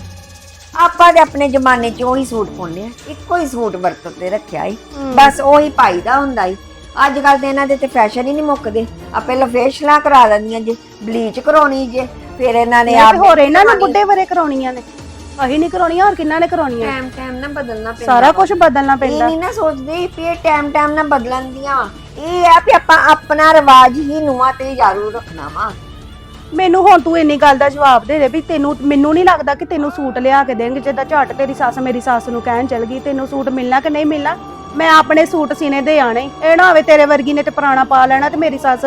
Speaker 5: ਆਪਾਂ ਦੇ ਆਪਣੇ ਜ਼ਮਾਨੇ 'ਚ ਉਹੀ ਸੂਟ ਪਾਉਂਦੇ ਆ, ਇੱਕੋ ਹੀ ਸੂਟ ਵਰਤ ਤੇ ਰੱਖਿਆ ਈ, ਬਸ ਉਹੀ ਪਾਈਦਾ ਹੁੰਦਾ ਈ। ਅੱਜ ਕੱਲ ਤੇ ਇਹਨਾਂ ਦੇ ਤੇ ਫੈਸ਼ਨ ਹੀ ਨਹੀਂ ਮੁੱਕਦੇ। ਆ ਪਹਿਲਾਂ ਫੇਸ਼ਲਾਂ ਕਰਾ ਲੈਂਦੀਆਂ ਜੇ, ਬਲੀਚ ਕਰਾਉਣੀ ਜੇ, ਫਿਰ ਇਹਨਾਂ ਨੇ
Speaker 4: ਤੇ ਹੋਰ ਇਹਨਾਂ ਨੇ ਬੁੱਢੇ ਬਰੇ ਕਰਾਉਣੀਆਂ ਨੇ, ਅਸੀਂ ਨਹੀਂ ਕਰਾਉਣੀਆਂ, ਹੋਰ ਕਿੰਨਾ ਨੇ ਕਰਾਉਣੀਆਂ?
Speaker 5: ਟਾਈਮ ਟਾਈਮ ਨਾਲ ਬਦਲਣਾ ਪੈਂਦਾ।
Speaker 4: ਸਾਰਾ ਕੁਝ ਬਦਲਣਾ
Speaker 5: ਇਹ
Speaker 4: ਪੈਂਦਾ।
Speaker 5: ਨਹੀਂ ਨਾ ਸੋਚਦੇ ਵੀ ਇਹ ਟਾਈਮ ਟਾਈਮ ਨਾਲ ਬਦਲਣ ਦੀਆਂ। ਇਹ ਆ ਵੀ ਆਪਾਂ ਆਪਣਾ ਰਿਵਾਜ ਹੀ ਨੂੰਹਾਂ ਤੇ ਜਾਰੂ ਰੱਖਣਾ ਵਾ।
Speaker 4: ਮੈਨੂੰ ਹੁਣ ਤੂੰ ਇੰਨੀ ਗੱਲ ਦਾ ਜਵਾਬ ਦੇ ਦੇ ਵੀ ਤੈਨੂੰ, ਮੈਨੂੰ ਨਹੀਂ ਲੱਗਦਾ ਕਿ ਤੈਨੂੰ ਸੂਟ ਲਿਆ ਕੇ ਦੇਣਗੇ। ਜਿੱਦਾਂ ਝੱਟ ਤੇਰੀ ਸੱਸ ਮੇਰੀ ਸੱਸ ਨੂੰ ਕਹਿਣ ਚਲ ਗਈ ਤੈਨੂੰ ਸੂਟ ਮਿਲਣਾ ਕਿ ਨਹੀਂ ਮਿਲਣਾ, ਮੈਂ ਆਪਣੇ ਸੂਟ ਸੀਨੇ ਦੇ ਆਣੇ। ਇਹ ਨਾ ਹੋਵੇ ਤੇਰੇ ਵਰਗੀ ਨੇ ਤੇ ਪੁਰਾਣਾ ਪਾ ਲੈਣਾ ਤੇ ਮੇਰੀ ਸੱਸ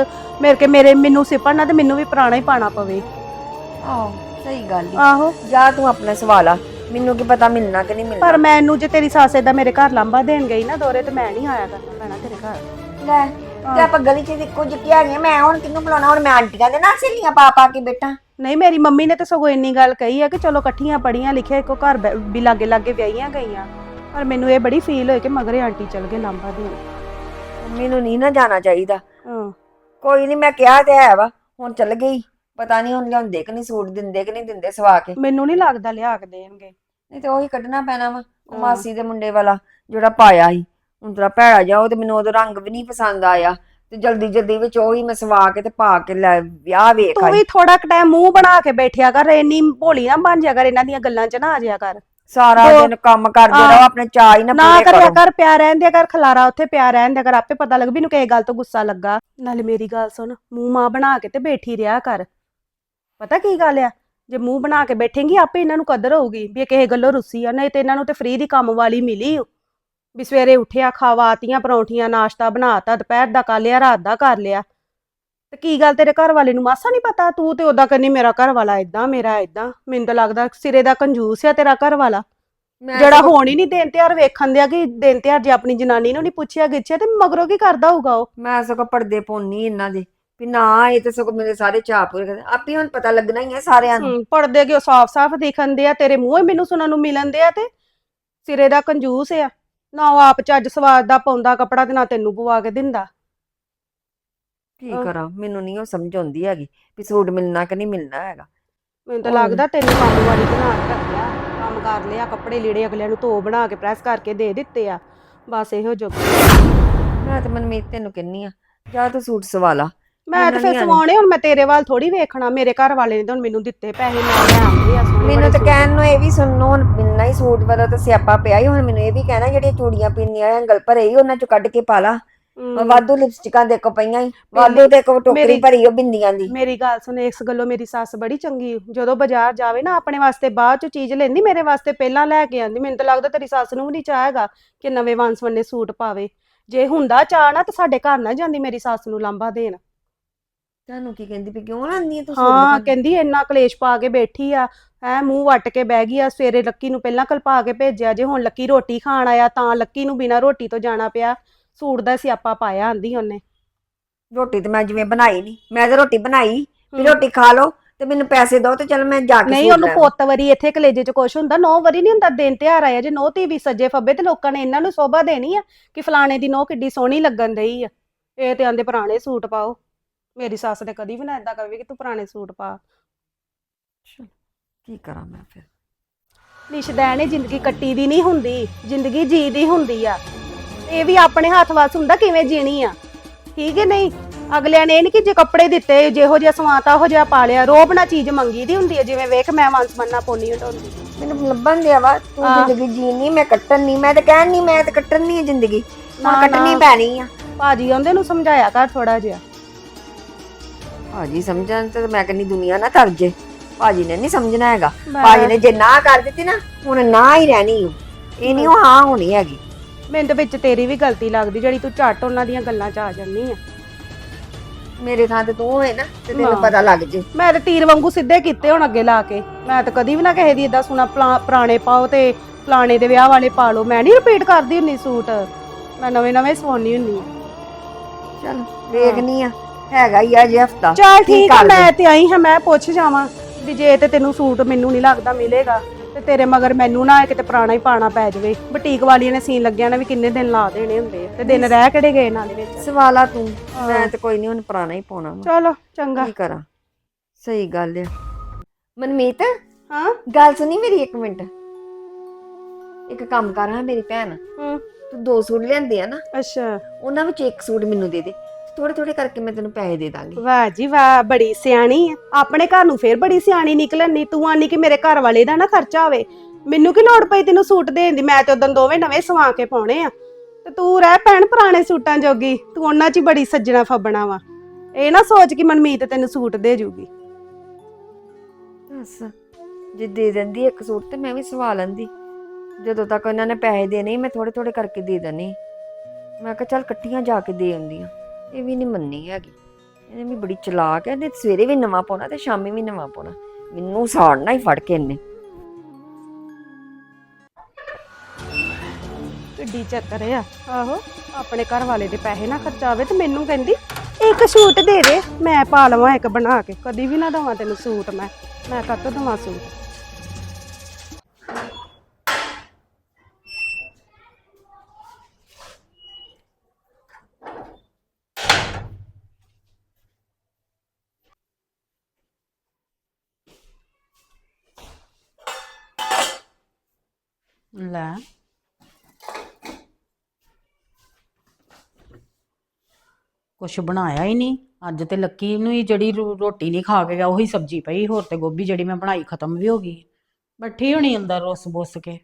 Speaker 4: ਮੈਨੂੰ ਸਿਪੜਨਾ ਤੇ ਮੈਨੂੰ ਵੀ ਪੁਰਾਣਾ ਹੀ ਪਾਣਾ ਪਵੇ।
Speaker 5: ਆਹੋ, ਸਹੀ ਗੱਲ ਈ।
Speaker 4: ਆਹੋ,
Speaker 5: ਜਾ ਤੂੰ ਆਪਣਾ ਸਵਾਲ ਆ, ਮੈਨੂੰ ਕੀ ਪਤਾ ਮਿਲਣਾ ਕਿ ਨਹੀਂ ਮਿਲਣਾ।
Speaker 4: ਪਰ ਮੈਨੂੰ ਜੇ ਤੇਰੀ ਸੱਸ ਏਦਾਂ ਮੇਰੇ ਘਰ ਲਾਂਬਾ ਦੇਣ ਗਈ ਨਾ ਦੋਰੇ, ਤੇ ਮੈਂ ਨਹੀਂ ਆਇਆ ਕਰਨਾ ਪੈਣਾ ਤੇਰੇ ਘਰ।
Speaker 5: ਲੈ ਤੇ ਆਪਾਂ ਗਲੀ 'ਚ ਇੱਕੋ ਜਿਹੀਆਂ ਹੈਗੀਆਂ, ਮੈਂ ਹੁਣ ਕਿਹਨੂੰ ਬੁਲਾਉਣਾ? ਹੁਣ ਮੈਂ ਆਂਟੀਆਂ ਦੇ ਨਾਲ ਸਹੇਲੀਆਂ ਪਾ ਪਾ ਕੇ ਬੈਠਾ।
Speaker 4: ਨਹੀਂ, ਮੇਰੀ ਮੰਮੀ ਨੇ ਤਾਂ ਸਗੋਂ ਇੰਨੀ ਗੱਲ ਕਹੀ ਆ ਕਿ ਚਲੋ ਇਕੱਠੀਆਂ ਪੜੀਆਂ ਲਿਖਿਆ, ਇੱਕੋ ਘਰ ਵੀ ਲਾਗੇ ਲਾਗੇ ਵਿਆਹੀਆਂ ਗਈਆਂ, ਪਰ ਮੈਨੂੰ ਇਹ ਬੜੀ ਫੀਲ ਹੋਈ ਕਿ ਮਗਰੇ ਆਂਟੀ ਚਲ ਗਏ ਲਾਂਬਾ ਦੇਣ।
Speaker 5: ਮੈਨੂੰ ਨਹੀਂ ਨਾ ਜਾਣਾ ਚਾਹੀਦਾ।
Speaker 4: ਹਾਂ,
Speaker 5: ਕੋਈ ਨਹੀਂ, ਮੈਂ ਕਿਹਾ ਤੇ ਹੈ ਵਾ, ਹੁਣ ਚੱਲ ਗਈ। ਪਤਾ ਨਹੀਂ ਹੁਣ ਲਿਆਉਂਦੇ ਕਿ ਨਹੀਂ, ਸੂਟ ਦਿੰਦੇ ਕਿ ਨਹੀਂ ਦਿੰਦੇ ਸਵਾ ਕੇ।
Speaker 4: ਮੈਨੂੰ ਨਹੀਂ ਲੱਗਦਾ ਲਿਆ ਕੇ ਦੇਣਗੇ।
Speaker 5: ਨਹੀਂ ਤੇ ਉਹੀ ਕੱਢਣਾ ਪੈਣਾ ਵਾ। ਉਹ ਮਾਸੀ ਦੇ ਮੁੰਡੇ ਵਾਲਾ ਜਿਹੜਾ ਪਾਇਆ ਸੀ, ਹੁਣ ਤੇਰਾ ਭੈੜਾ ਜਾ, ਉਹ ਤੇ ਮੈਨੂੰ ਉਹਦਾ ਰੰਗ ਵੀ ਨਹੀਂ ਪਸੰਦ ਆਇਆ, ਤੇ ਜਲਦੀ ਜਲਦੀ ਵਿੱਚ ਉਹੀ ਮੈਂ ਸਵਾ ਕੇ ਤੇ ਪਾ ਕੇ ਲੈ ਵਿਆਹ ਵੇਖ
Speaker 4: ਤੂੰ
Speaker 5: ਆਈ।
Speaker 4: ਵੀ ਥੋੜਾ ਕੁ ਟਾਈਮ ਮੂੰਹ ਬਣਾ ਕੇ ਬੈਠਿਆ ਕਰ, ਇੰਨੀ ਭੋਲੀ ਨਾ ਬਣ ਜਾ ਕਰ, ਇਹਨਾਂ ਦੀਆਂ ਗੱਲਾਂ 'ਚ ਨਾ ਆ ਜਾਇਆ ਕਰ।
Speaker 5: ਸਾਰਾ ਦਿਨ ਕੰਮ ਕਰਦੇ ਰਹੋ, ਆਪਣੇ ਚਾਅ ਹੀ ਨਾ
Speaker 4: ਨਾ
Speaker 5: ਪੂਰੇ
Speaker 4: ਕਰਿਆ
Speaker 5: ਕਰੋ।
Speaker 4: ਕਰ, ਪਿਆ ਰਹਿਣ ਦਿਆ ਕਰ, ਖਲਾਰਾ ਉੱਥੇ ਪਿਆ ਰਹਿਣ ਦਿਆ ਕਰ, ਆਪੇ ਪਤਾ ਲੱਗ ਵੀ ਇਹਨੂੰ ਕਿਸੇ ਗੱਲ ਤੋਂ ਗੁੱਸਾ ਲੱਗਾ। ਨਾਲੇ ਮੇਰੀ ਗੱਲ ਸੁਣ, ਮੂੰਹ ਮਾਂ ਬਣਾ ਕੇ ਤੇ ਬੈਠੀ ਰਿਹਾ ਕਰ। ਪਤਾ ਕੀ ਗੱਲ ਆ, ਜੇ ਮੂੰਹ ਬਣਾ ਕੇ ਬੈਠੇਂਗੀ ਆਪੇ ਇਹਨਾਂ ਨੂੰ ਕਦਰ ਹੋਊਗੀ ਵੀ ਇਹ ਕਿਸੇ ਗੱਲੋਂ ਰੁੱਸੀ ਆ। ਨਹੀਂ ਤੇ ਇਹਨਾਂ ਨੂੰ ਤੇ ਫ੍ਰੀ ਦੀ ਕੰਮ ਵਾਲੀ ਮਿਲੀ ਵੀ ਸਵੇਰੇ ਉੱਠਿਆ, ਖਵਾਤੀਆਂ ਪਰੌਂਠੀਆਂ, ਨਾਸ਼ਤਾ ਬਣਾਤਾ, ਦੁਪਹਿਰ ਦਾ ਕਰ ਲਿਆ, ਰਾਤ ਦਾ ਕਰ ਲਿਆ। ਤੇ ਕੀ ਗੱਲ ਤੇਰੇ ਘਰ ਵਾਲੇ ਨੂੰ ਮਾਸਾ ਨਹੀਂ ਪਤਾ? ਤੂੰ ਤੇ ਉਦਾਂ ਕਹਿੰਦੀ ਮੇਰਾ ਘਰ ਵਾਲਾ ਏਦਾਂ, ਮੇਰਾ ਏਦਾਂ। ਮੈਨੂੰ ਤਾਂ ਲੱਗਦਾ ਸਿਰੇ ਦਾ ਕੰਜੂਸ ਆ ਤੇਰਾ ਘਰ ਵਾਲਾ,
Speaker 5: ਮੈਂ
Speaker 4: ਜਿਹੜਾ ਹੁਣ ਹੀ ਨਹੀਂ ਦਿਨ ਤਿਉਹਾਰ ਵੇਖਣ ਦਿਆ ਕਿ ਦਿਨ ਤਿਉਹਾਰ ਜੇ ਆਪਣੀ ਜਨਾਨੀ ਨੂੰ ਨਹੀਂ ਪੁੱਛਿਆ ਗਿੱਛਿਆ ਤੇ ਮਗਰੋਂ ਕੀ ਕਰਦਾ ਹੋਊਗਾ ਉਹ।
Speaker 5: ਮੈਂ ਸਗੋਂ ਪਰਦੇ ਪਾਉਣੀ ਇਹਨਾਂ ਦੇ ਵੀ ਨਾ, ਇਹ ਤੇ ਸਗੋਂ ਮੇਰੇ ਸਾਰੇ ਚਾਅ ਪੂਰੇ ਕਰਦੇ। ਆਪੇ ਹੁਣ ਪਤਾ ਲੱਗਣਾ ਹੀ ਹੈ ਸਾਰਿਆਂ ਨੂੰ।
Speaker 4: ਪੜਦੇ ਕਿ ਉਹ ਸਾਫ਼-ਸਾਫ਼ ਦਿਖਣ ਦੇ ਆ, ਤੇਰੇ ਮੂੰਹੋਂ ਹੀ ਮੈਨੂੰ ਸੁਣਨ ਨੂੰ ਮਿਲਣ ਦੇ ਆ, ਤੇ ਸਿਰੇ ਦਾ ਕੰਜੂਸ ਆ ਨਾ। ਉਹ ਆਪ ਚੱਜ ਸਵਾਦ ਦਾ ਪਾਉਂਦਾ ਕੱਪੜਾ ਤੇ ਨਾ ਤੈਨੂੰ ਪਵਾ ਕੇ ਦਿੰਦਾ।
Speaker 5: ਕੀ ਕਰਾਂ, ਮੈਨੂੰ ਨਹੀਂ ਉਹ ਸਮਝ ਆਉਂਦੀ ਹੈਗੀ ਵੀ ਸੂਟ ਮਿਲਣਾ ਕਿ ਨਹੀਂ ਮਿਲਣਾ ਹੈਗਾ।
Speaker 4: ਮੈਨੂੰ ਤਾਂ ਲੱਗਦਾ ਤੈਨੂੰ ਕੰਮ ਵਾਲੀ ਬਣਾ ਕੇ ਰੱਖਿਆ, ਕੰਮ ਕਰ ਲਿਆ, ਕੱਪੜੇ ਲੀੜੇ ਅਗਲਿਆਂ ਨੂੰ ਧੋ ਬਣਾ ਕੇ ਪ੍ਰੈਸ ਕਰਕੇ ਦੇ ਦਿੱਤੇ ਆ, ਬਸ ਇਹੋ ਜੋ।
Speaker 5: ਮੈਂ ਤੇ ਮਨਮੀਤ ਤੈਨੂੰ ਕਹਿੰਨੀ ਆ, ਜਾ ਤੂੰ ਸੂਟ ਸਵਾ ਲਾ।
Speaker 4: ਮੈਂ ਤਾਂ ਫਿਰ ਸਵਾਉਣੇ, ਹੁਣ ਮੈਂ ਤੇਰੇ ਵੱਲ ਥੋੜੀ ਵੇਖਣਾ। ਮੇਰੇ ਘਰ ਵਾਲੇ ਨੇ ਤਾਂ ਹੁਣ ਮੈਨੂੰ ਦਿੱਤੇ ਪੈਸੇ, ਮੈਂ ਲੈ ਆਉਂਦੀ ਆ ਸੋਹਣੇ
Speaker 5: ਮੈਨੂੰ ਤਾਂ
Speaker 4: ਬੜੇ
Speaker 5: ਕਹਿਣ ਨੂੰ ਇਹ ਵੀ ਸੁਣਨੋ, ਹੁਣ ਮਿਲਣਾ ਹੀ ਸੂਟ ਵਾਲਾ ਤਾਂ ਸਿਆਪਾ ਪਿਆ ਹੀ। ਹੁਣ ਮੈਨੂੰ ਇਹ ਵੀ ਕਹਿਣਾ ਜਿਹੜੀਆਂ ਚੂੜੀਆਂ ਪਿੰਨੀਆਂ ਉਂਗਲ ਭਰੇ ਹੀ ਉਹਨਾਂ ਚੋਂ ਕੱਢ ਕੇ ਪਾ ਲਾ। ਵਾਧੂ ਲਿਪਸਟਿਕਾਂ ਦੇਖੋ ਪਈਆਂ ਹੀ, ਵਾਧੂ ਤੇ ਇੱਕ ਟੋਕਰੀ ਭਰੀ ਉਹ ਬਿੰਦੀਆਂ ਦੀ।
Speaker 4: ਮੇਰੀ ਗੱਲ ਸੁਣ, ਇਸ ਗੱਲੋਂ ਮੇਰੀ ਸੱਸ ਬੜੀ ਚੰਗੀ। ਜਦੋਂ ਬਾਜ਼ਾਰ ਜਾਵੇ ਨਾ, ਆਪਣੇ ਵਾਸਤੇ ਬਾਅਦ ਚ ਚੀਜ਼ ਲੈਂਦੀ, ਮੇਰੇ ਵਾਸਤੇ ਪਹਿਲਾਂ ਲੈ ਕੇ ਆਂਦੀ। ਮੈਨੂੰ ਤਾਂ ਲੱਗਦਾ ਤੇਰੀ ਸੱਸ ਨੂੰ ਵੀ ਨਹੀਂ ਚਾਹ ਹੈਗਾ ਕਿ ਨਵੇਂ ਵੰਨ-ਸਵੰਨੇ ਸੂਟ ਪਾਵੇ। ਜੇ ਹੁੰਦਾ ਚਾਹ ਨਾ ਤਾਂ ਸਾਡੇ ਘਰ ਨਾ ਜਾਂਦੀ ਮੇਰੀ ਸੱਸ ਨੂੰ ਲਾਂਭਾ ਦੇਣ।
Speaker 5: ਤੁਹਾਨੂੰ ਕੀ ਕਹਿੰਦੀ ਵੀ ਕਿਉਂ ਲਾਂਦੀ ਤੂੰ ਸੂਟ?
Speaker 4: ਹਾਂ, ਕਹਿੰਦੀ ਇੰਨਾ ਕਲੇਸ਼ ਪਾ ਕੇ ਬੈਠੀ ਆ, ਹੈ ਮੂੰਹ ਵੱਟ ਕੇ ਬਹਿ ਗਈ ਆ। ਸਵੇਰੇ ਲੱਕੀ ਨੂੰ ਪਹਿਲਾਂ ਕਲਪਾ ਕੇ ਭੇਜਿਆ, ਜੇ ਹੁਣ ਲੱਕੀ ਰੋਟੀ ਖਾਣ ਆਇਆ ਤਾਂ ਲੱਕੀ ਨੂੰ ਬਿਨਾਂ ਰੋਟੀ ਤੋਂ ਜਾਣਾ ਪਿਆ। ਸੂਟ ਦਾ ਸਿਆਪਾ ਪਾਇਆ ਆਂਦੀ ਉਹਨੇ।
Speaker 5: ਰੋਟੀ ਤੇ ਮੈਂ ਜਿਵੇਂ ਬਣਾਈ ਨਹੀਂ, ਮੈਂ ਤਾਂ ਰੋਟੀ ਬਣਾਈ ਵੀ ਰੋਟੀ ਖਾ ਲਓ ਤੇ ਮੈਨੂੰ ਪੈਸੇ ਦਿਓ ਤੇ ਚਲ ਮੈਂ ਜਾ ਕੇ
Speaker 4: ਨਹੀਂ, ਉਹਨੂੰ ਪੁੱਤ ਵਰੀ ਇੱਥੇ ਕਲੇਜੇ ਚ ਕੁਛ ਹੁੰਦਾ, ਨੌ ਵਰੀ ਨਹੀਂ ਹੁੰਦਾ। ਦਿਨ ਤਿਉਹਾਰ ਆਇਆ, ਜੇ ਨੌ ਧੀ ਵੀ ਸੱਜੇ ਫੱਬੇ ਤੇ ਲੋਕਾਂ ਨੇ ਇਹਨਾਂ ਨੂੰ ਸੋਭਾ ਦੇਣੀ ਆ ਕਿ ਫਲਾਣੇ ਦੀ ਨੌ ਕਿੱਡੀ ਸੋਹਣੀ ਲੱਗਣ ਦਈ ਆ। ਇਹ ਤੇ ਆਂਦੇ ਪੁਰਾਣੇ ਸੂਟ ਪਾਓ। ਮੇਰੀ ਸੱਸ ਨੇ ਕਦੀ ਵੀ ਨਾ ਏਦਾਂ ਕਹੇ ਕਿ ਤੂੰ ਪੁਰਾਣੇ ਸੂਟ ਪਾ।
Speaker 5: ਕੀ ਕਰਾਂ ਮੈਂ ਫਿਰ?
Speaker 4: ਨਿਸ਼ਦੈਨ ਇਹ ਜ਼ਿੰਦਗੀ ਕੱਟੀ ਦੀ ਨਹੀਂ ਹੁੰਦੀ, ਜ਼ਿੰਦਗੀ ਜੀ ਦੀ ਹੁੰਦੀ ਆ। ਇਹ ਵੀ ਆਪਣੇ ਹੱਥ ਵੱਸ ਹੁੰਦਾ ਕਿਵੇਂ ਜੀਣੀ ਆ, ਠੀਕ ਹੈ ਨਹੀਂ? ਅਗਲਿਆਂ ਨੇ ਇਹ ਨਹੀਂ ਕਿ ਜੇ ਕੱਪੜੇ ਦਿੱਤੇ ਜਿਹੋ ਜਿਹਾ ਸਵਾਤਾ ਉਹ ਜਿਹਾ ਪਾ ਲਿਆ, ਰੋਬ ਨਾਲ ਚੀਜ਼ ਮੰਗੀ ਦੀ ਹੁੰਦੀ ਹੈ। ਜਿਵੇਂ ਵੇਖ ਮੈਂ ਵੰਸ ਮੰਨਾ ਪੋਨੀ ਹਟਾਉਂਦੀ।
Speaker 5: ਮੈਨੂੰ ਲੱਭਣ ਦਿਆ ਵਾ, ਤੂੰ
Speaker 4: ਹਾਂ।
Speaker 5: ਜ਼ਿੰਦਗੀ ਜੀਣੀ, ਮੈਂ ਕੱਟਣ ਨਹੀਂ। ਮੈਂ ਤਾਂ ਕਹਿਣ ਨਹੀਂ, ਮੈਂ ਤਾਂ ਕੱਟਣ ਨਹੀਂ ਹੈ ਜ਼ਿੰਦਗੀ,
Speaker 4: ਨਾ,
Speaker 5: ਹੁਣ ਕੱਟਣੀ
Speaker 4: ਨਾ।
Speaker 5: ਪੈਣੀ ਆ।
Speaker 4: ਭਾਜੀ ਆਉਂਦੇ ਨੂੰ ਸਮਝਾਇਆ ਕਰ ਥੋੜਾ ਜਿਹਾ।
Speaker 5: ਭਾਜੀ ਸਮਝਣ ਤੇ ਮੈਂ ਕਹਿੰਦੀ ਦੁਨੀਆ ਨਾ ਤਰ ਜੇ। ਭਾਜੀ ਨੇ ਨਹੀਂ ਸਮਝਣਾ ਹੈਗਾ।
Speaker 4: ਮੈਂ-
Speaker 5: ਭਾਜੀ ਨੇ ਜੇ ਨਾ ਕਰ ਦਿੱਤੀ ਨਾ, ਹੁਣ ਨਾ ਹੀ ਰਹਿਣੀ ਓ। ਇਹ ਨਹੀਂ ਉਹ ਹਾਂ ਹੋਣੀ ਹੈਗੀ।
Speaker 4: ਮੈਨੂੰ ਤਾਂ ਵਿੱਚ ਤੇਰੀ ਵੀ ਗਲਤੀ ਲੱਗਦੀ ਜਿਹੜੀ ਤੂੰ ਝੱਟ ਉਹਨਾਂ ਦੀਆਂ ਗੱਲਾਂ 'ਚ ਆ ਜਾਂਦੀ ਆ।
Speaker 5: ਮੇਰੇ ਥਾਂ ਤੇ ਤੂੰ ਹੋਏ ਨਾ ਤੇ ਤੈਨੂੰ
Speaker 4: ਹਾਂ।
Speaker 5: ਪਤਾ ਲੱਗ ਜੇ।
Speaker 4: ਮੈਂ ਤਾਂ ਤੀਰ ਵਾਂਗੂ ਸਿੱਧੇ ਕੀਤੇ ਹੁਣ ਅੱਗੇ ਲਾ ਕੇ। ਮੈਂ ਤਾਂ ਕਦੀ ਵੀ ਨਾ ਕਿਸੇ ਦੀ ਇਦਾਂ ਸੁਣਾ ਪੁਰਾਣੇ ਪਾਓ ਤੇ ਫਲਾਣੇ ਦੇ ਵਿਆਹ ਵਾਲੇ ਪਾ ਲਓ। ਮੈਂ ਨਹੀਂ ਰਿਪੀਟ ਕਰਦੀ ਹੁੰਦੀ ਸੂਟ, ਮੈਂ ਨਵੇਂ ਨਵੇਂ ਸਵਾਉਣੀ ਹੁੰਦੀ ਆ।
Speaker 5: ਚਲ ਵੇਖਨੀ ਆ, ਹੈਗਾ ਹੀ ਆ ਜੇ ਹਫਤਾ।
Speaker 4: ਚੱਲ ਠੀਕ ਆ, ਮੈਂ ਤੇ ਆਈ ਹਾਂ, ਮੈਂ ਪੁੱਛ ਜਾਵਾਂ ਵੀ ਜੇ ਤੇ ਤੈਨੂੰ ਸੂਟ ਮੈਨੂੰ ਨਹੀਂ ਲੱਗਦਾ ਮਿਲੇਗਾ ਤੇ ਤੇਰੇ ਮਗਰ ਮੈਨੂੰ ਨਾ ਕਿਤੇ ਪੁਰਾਣਾ ਹੀ ਪਾਣਾ ਪੈ ਜਾਵੇ। ਬੁਟੀਕ ਵਾਲੀਆਂ ਨੇ ਸੀਨ ਲੱਗਿਆ ਨਾ ਵੀ ਕਿੰਨੇ ਦਿਨ ਲਾ ਦੇਣੇ ਹੁੰਦੇ ਆ ਤੇ ਦਿਨ ਰਹਿ ਕਿਹੜੇ ਗਏ ਨਾਲੇ ਵਿੱਚ।
Speaker 5: ਸਵਾਲਾ ਤੂੰ, ਮੈਂ ਤੇ ਕੋਈ ਨਹੀਂ ਹੁਣ ਪੁਰਾਣਾ ਹੀ ਪਾਉਣਾ ਵਾ।
Speaker 4: ਚਲੋ ਚੰਗਾ।
Speaker 5: ਕੀ ਕਰਾਂ? ਸਹੀ ਗੱਲ ਆ। ਮਨਮੀਤ,
Speaker 4: ਹਾਂ
Speaker 5: ਗੱਲ ਸੁਣੀ ਮੇਰੀ ਇੱਕ ਮਿੰਟ। ਇੱਕ ਕੰਮ ਕਰ ਹਾਂ ਮੇਰੀ ਭੈਣ,
Speaker 4: ਹੂੰ
Speaker 5: ਤੂੰ 2 ਸੂਟ ਲਿਆਂਦੇ ਆ ਨਾ,
Speaker 4: ਅੱਛਾ।
Speaker 5: ਉਹਨਾਂ ਵਿੱਚ ਇੱਕ ਸੂਟ ਮੈਨੂੰ ਦੇ ਦੇ। ਥੋੜੇ ਥੋੜੇ ਕਰਕੇ ਮੈਂ ਤੈਨੂੰ ਪੈਸੇ ਦੇ ਦਾਂਗੀ।
Speaker 4: ਵਾਹ ਜੀ ਵਾਹ, ਬੜੀ ਸਿਆਣੀ ਆ। ਆਪਣੇ ਘਰ ਨੂੰ ਫੇਰ ਬੜੀ ਸਿਆਣੀ ਨਿਕਲਣ ਨੀ। ਤੂੰ ਆਨੀ ਕਿ ਮੇਰੇ ਘਰ ਵਾਲੇ ਦਾ ਨਾ ਖਰਚਾ ਹੋਵੇ। ਮੈਨੂੰ ਕੀ ਲੋੜ ਪਈ ਤੈਨੂੰ ਸੂਟ ਦੇਣ ਦੀ? ਮੈਂ ਤੇ ਉਦੋਂ ਦੋਵੇਂ ਨਵੇਂ ਸਵਾ ਕੇ ਪਾਉਣੇ ਆ ਤੇ ਤੂੰ ਰਹਿ ਭੈਣ ਪੁਰਾਣੇ ਸੂਟਾਂ ਜੋਗੀ। ਤੂੰ ਉਹਨਾਂ 'ਚ ਹੀ ਬੜੀ ਸੱਜਣਾ ਫੱਬਣਾ ਵਾ। ਇਹ ਨਾ ਸੋਚ ਕਿ ਮਨਮੀਤ ਤੈਨੂੰ ਸੂਟ ਦੇ ਜੂਗੀ।
Speaker 5: ਬਸ ਜੇ ਦੇ ਦਿੰਦੀ ਇੱਕ ਸੂਟ ਤੇ ਮੈਂ ਵੀ ਸਵਾ ਲੈਂਦੀ। ਜਦੋਂ ਤੱਕ ਇਹਨਾਂ ਨੇ ਪੈਸੇ ਦੇਣੇ ਮੈਂ ਥੋੜੇ ਥੋੜੇ ਕਰਕੇ ਦੇ ਦੇਣੇ। ਮੈਂ ਕਿਹਾ ਚੱਲ ਇਕੱਠੀਆਂ ਜਾ ਕੇ ਦੇ ਆਉਂਦੀਆਂ। ਇਹ ਵੀ ਨਹੀਂ ਮੰਨੀ ਹੈਗੀ। ਇਹਨੇ ਵੀ ਬੜੀ ਚਲਾਕ ਹੈ। ਇਹਨੇ ਸਵੇਰੇ ਵੀ ਨਵਾਂ ਪਾਉਣਾ ਤੇ ਸ਼ਾਮੀ ਵੀ ਨਵਾਂ ਪਾਉਣਾ। ਮੈਨੂੰ ਸਾੜਨਾ ਹੀ ਫੜ ਕੇ ਇਹਨੇ।
Speaker 4: ਕਿੱਡੀ ਚੱਕਰ ਆ। ਆਹੋ, ਆਪਣੇ ਘਰ ਵਾਲੇ ਦੇ ਪੈਸੇ ਨਾ ਖਰਚਾਵੇ ਤੇ ਮੈਨੂੰ ਕਹਿੰਦੀ ਇੱਕ ਸੂਟ ਦੇ ਦੇ, ਮੈਂ ਪਾ ਲਵਾਂ ਇੱਕ ਬਣਾ ਕੇ। ਕਦੀ ਵੀ ਨਾ ਦਵਾਂ ਤੈਨੂੰ ਸੂਟ। ਮੈਂ ਕਾਹਤੋਂ ਦਵਾਂ ਸੂਟ?
Speaker 1: ਲੈ ਕੁਛ ਬਣਾਇਆ ਹੀ ਨਹੀਂ ਅੱਜ ਤੇ। ਲੱਕੀ ਨੂੰ ਹੀ ਜਿਹੜੀ ਰੋਟੀ ਨਹੀਂ ਖਾ ਕੇ ਗਿਆ ਉਹੀ ਸਬਜ਼ੀ ਪਈ। ਹੋਰ ਤੇ ਗੋਭੀ ਜਿਹੜੀ ਮੈਂ ਬਣਾਈ ਖਤਮ ਵੀ ਹੋ ਗਈ। ਬੈਠੀ ਹੋਣੀ ਅੰਦਰ ਰੁੱਸ ਬੁੱਸ ਕੇ।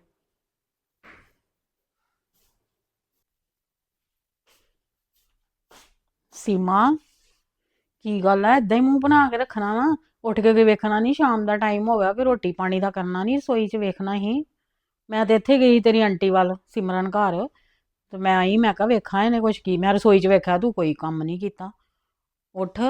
Speaker 1: ਸੀਮਾ, ਕੀ ਗੱਲ ਹੈ? ਏਦਾਂ ਹੀ ਮੂੰਹ ਬਣਾ ਕੇ ਰੱਖਣਾ ਵਾ? ਉੱਠ ਕੇ ਵੇਖਣਾ ਨਹੀਂ? ਸ਼ਾਮ ਦਾ ਟਾਈਮ ਹੋ ਗਿਆ, ਕਿ ਰੋਟੀ ਪਾਣੀ ਦਾ ਕਰਨਾ ਨਹੀਂ? ਰਸੋਈ 'ਚ ਵੇਖਣਾ ਹੀ। ਮੈਂ ਤੇ ਇੱਥੇ ਗਈ ਤੇਰੀ ਆਂਟੀ ਵੱਲ, ਸਿਮਰਨ ਘਰ, ਤੇ ਮੈਂ ਆਈ। ਮੈਂ ਕਿਹਾ ਵੇਖਾਂ ਇਹਨੇ ਕੁਛ ਕੀ। ਮੈਂ ਰਸੋਈ 'ਚ ਵੇਖਿਆ ਤੂੰ ਕੋਈ ਕੰਮ ਨਹੀਂ ਕੀਤਾ। ਉੱਠ।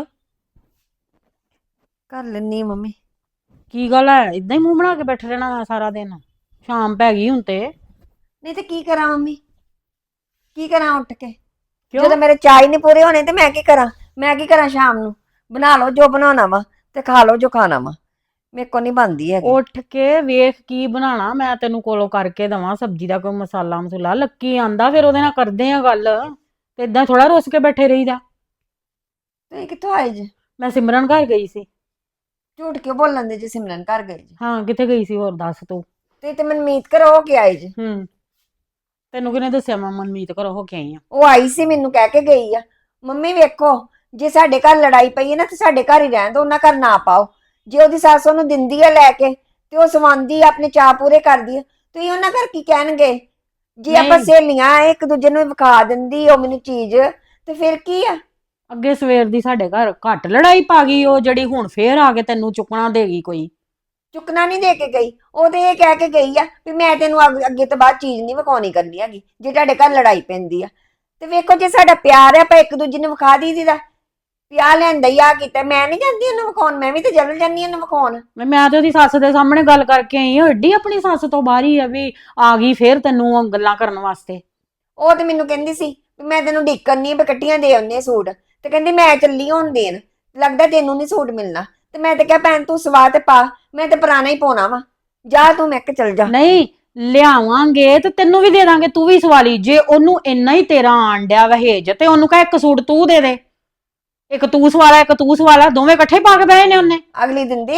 Speaker 5: ਕਰ ਲੈਣੀ ਮੰਮੀ।
Speaker 1: ਕੀ ਗੱਲ ਹੈ? ਇਦਾਂ ਹੀ ਮੂੰਹ ਬਣਾ ਕੇ ਬੈਠੇ ਰਹਿਣਾ ਵਾ ਸਾਰਾ ਦਿਨ? ਸ਼ਾਮ ਪੈ ਗਈ ਹੁਣ ਤੇ।
Speaker 5: ਨਹੀਂ ਤੇ ਕੀ ਕਰਾਂ ਮੰਮੀ? ਕੀ ਕਰਾਂ ਉੱਠ ਕੇ?
Speaker 1: ਕਿਉਂ?
Speaker 5: ਜਦੋਂ ਮੇਰੇ ਚਾਹ ਹੀ ਨਹੀਂ ਪੂਰੇ ਹੋਣੇ ਤੇ ਮੈਂ ਕੀ ਕਰਾਂ? ਮੈਂ ਕੀ ਕਰਾਂ? ਸ਼ਾਮ ਨੂੰ ਬਣਾ ਲਓ ਜੋ ਬਣਾਉਣਾ ਵਾ ਤੇ ਖਾ ਲਓ ਜੋ ਖਾਣਾ ਵਾ। ਮੇਰੇ ਕੋ ਨਹੀਂ ਬਣਦੀ ਹੈਗੀ।
Speaker 1: ਉੱਠ ਕੇ ਵੇਖ ਕੀ ਬਣਾਉਣਾ। ਮੈਂ ਤੈਨੂੰ ਕੋਲੋਂ ਕਰਕੇ ਦਵਾਂ ਸਬਜ਼ੀ ਦਾ ਕੋਈ ਮਸਾਲਾ ਮਸੂਲਾ। ਲੱਕੀ ਆਂਦਾ ਫਿਰ ਉਹਦੇ ਨਾਲ ਕਰਦੇ ਆ ਗੱਲ। ਤੇ ਇਦਾਂ ਥੋੜਾ ਰੁੱਸ ਕੇ ਬੈਠੇ ਰਹੀਦਾ।
Speaker 5: ਤੁਸੀਂ ਕਿੱਥੋਂ ਆਏ ਜੀ?
Speaker 1: ਮੈਂ ਸਿਮਰਨ ਘਰ ਗਈ ਸੀ।
Speaker 5: ਝੂਠ ਕਿਉਂ ਬੋਲਣ ਦੇ ਜੀ? ਸਿਮਰਨ ਘਰ ਗਏ ਜੀ?
Speaker 1: ਹਾਂ, ਕਿੱਥੇ ਗਈ ਸੀ ਹੋਰ ਦੱਸ ਤੂੰ?
Speaker 5: ਤੁਸੀਂ ਤੇ ਮਨਮੀਤ ਘਰ ਹੋ ਕੇ ਆਏ ਜੀ?
Speaker 1: ਤੈਨੂੰ ਕਿਹਨੇ ਦੱਸਿਆ ਮੈਂ ਮਨਮੀਤ ਘਰੋਂ ਹੋ ਕੇ ਆਈ ਆ?
Speaker 5: ਉਹ ਆਈ ਸੀ, ਮੈਨੂੰ ਕਹਿ ਕੇ ਗਈ ਆ। ਮੰਮੀ ਵੇਖੋ, ਜੇ ਸਾਡੇ ਘਰ ਲੜਾਈ ਪਈ ਹੈ ਨਾ ਤੇ ਸਾਡੇ ਘਰ ਹੀ ਰਹਿਣ ਦੋ, ਉਹਨਾਂ ਘਰ ਨਾ ਪਾਓ। ਜੇ ਉਹਦੀ ਸੱਸ ਉਹਨੂੰ ਦਿੰਦੀ ਹੈ ਲੈ ਕੇ ਤੇ ਉਹ ਸਵਾਉਂਦੀ ਆ, ਆਪਣੇ ਚਾਅ ਪੂਰੇ ਕਰਦੀ ਆ, ਤੁਸੀਂ ਉਹਨਾਂ ਘਰ ਕੀ ਕਹਿਣਗੇ? ਜੇ ਆਪਾਂ
Speaker 1: ਨਹੀਂ।
Speaker 5: ਸਹੇਲੀਆਂ ਇੱਕ ਦੂਜੇ ਨੂੰ ਵਿਖਾ ਦਿੰਦੀ ਉਹ ਮੈਨੂੰ ਚੀਜ਼, ਤੇ ਫਿਰ ਕੀ ਆ?
Speaker 1: ਅੱਗੇ ਸਵੇਰ ਦੀ ਸਾਡੇ ਘਰ ਘੱਟ ਲੜਾਈ ਪਾ ਗਈ ਉਹ, ਜਿਹੜੀ ਹੁਣ ਫੇਰ ਆ ਕੇ ਤੈਨੂੰ ਚੁੱਕਣਾ ਦੇਗੀ ਕੋਈ?
Speaker 5: ਚੁੱਕਣਾ ਨਹੀਂ ਦੇ ਕੇ ਗਈ। ਉਹ ਤੇ ਇਹ ਕਹਿ ਕੇ ਗਈ ਆ ਵੀ ਮੈਂ ਤੈਨੂੰ ਅੱਗੇ ਤੋਂ ਬਾਅਦ ਚੀਜ਼ ਨਹੀਂ ਵਿਖਾਉਣੀ ਕਰਨੀ ਹੈਗੀ ਜੇ ਤੁਹਾਡੇ ਘਰ ਲੜਾਈ ਪੈਂਦੀ ਆ। ਤੇ ਵੇਖੋ, ਜੇ ਸਾਡਾ ਪਿਆਰ ਹੈ ਆਪਾਂ ਇੱਕ ਦੂਜੇ ਨੂੰ ਵਿਖਾ ਦੀਦਾ ਪਿਆ ਲੈਂਦਾ ਹੀ ਆ ਕੀਤਾ। ਮੈਂ ਨਹੀਂ ਜਾਂਦੀ ਉਹਨੂੰ ਵਿਖਾਉਣ, ਮੈਂ ਵੀ ਤੇ ਜਲ ਜਾਂਦੀ ਉਹਨੂੰ ਵਿਖਾਉਣ।
Speaker 1: ਮੈਂ ਤੇ ਉਹਦੀ ਸੱਸ ਦੇ ਸਾਹਮਣੇ ਗੱਲ ਕਰਕੇ ਆਈ ਹਾਂ। ਏਡੀ ਆਪਣੀ ਸੱਸ ਤੋਂ ਬਾਹਰ ਹੀ ਆ ਵੀ ਆ ਗਈ ਫੇਰ ਤੈਨੂੰ ਉਹ ਗੱਲਾਂ ਕਰਨ ਵਾਸਤੇ।
Speaker 5: ਉਹ ਤੇ ਮੈਨੂੰ ਕਹਿੰਦੀ ਸੀ ਵੀ ਮੈਂ ਤੈਨੂੰ ਢੀਕਣ ਨਹੀਂ, ਇਕੱਠੀਆਂ ਦੇ ਆਉਂਦੇ ਸੂਟ। ਤੇ ਕਹਿੰਦੀ ਮੈਂ ਚੱਲੀ ਹੁਣ ਦੇਣ, ਲੱਗਦਾ ਤੈਨੂੰ ਨਹੀਂ ਸੂਟ ਮਿਲਣਾ। ਤੇ ਮੈਂ ਤੇ ਕਿਹਾ ਭੈਣ ਤੂੰ ਸਵਾ ਤੇ ਪਾ, ਮੈਂ ਤੇ ਪੁਰਾਣਾ ਹੀ ਪਾਉਣਾ ਵਾ। ਜਾ ਤੂੰ, ਮੈਂ ਕਿ ਚੱਲ ਜਾ।
Speaker 1: ਨਹੀਂ ਲਿਆਵਾਂਗੇ ਤੇ ਤੈਨੂੰ ਵੀ ਦੇ ਦਾਂਗੇ, ਤੂੰ ਵੀ ਸਵਾਲੀ। ਜੇ ਉਹਨੂੰ ਇੰਨਾ ਹੀ ਤੇਰਾ ਆਣ ਡਿਆ ਵਹੇਜ ਤੇ ਉਹਨੂੰ ਕਹ ਇੱਕ ਸੂਟ ਤੂੰ ਦੇ ਦੇ। ਇੱਕ ਤੂੰ ਸਵਾਲਾ ਇੱਕ ਤੂੰ ਸਵਾਲਾ, ਦੋਵੇਂ ਇਕੱਠੇ ਪਾ ਕੇ ਬਹਿ ਨੇ ਉਹਨੇ।
Speaker 5: ਅਗਲੀ ਦਿੰਦੀ ਆ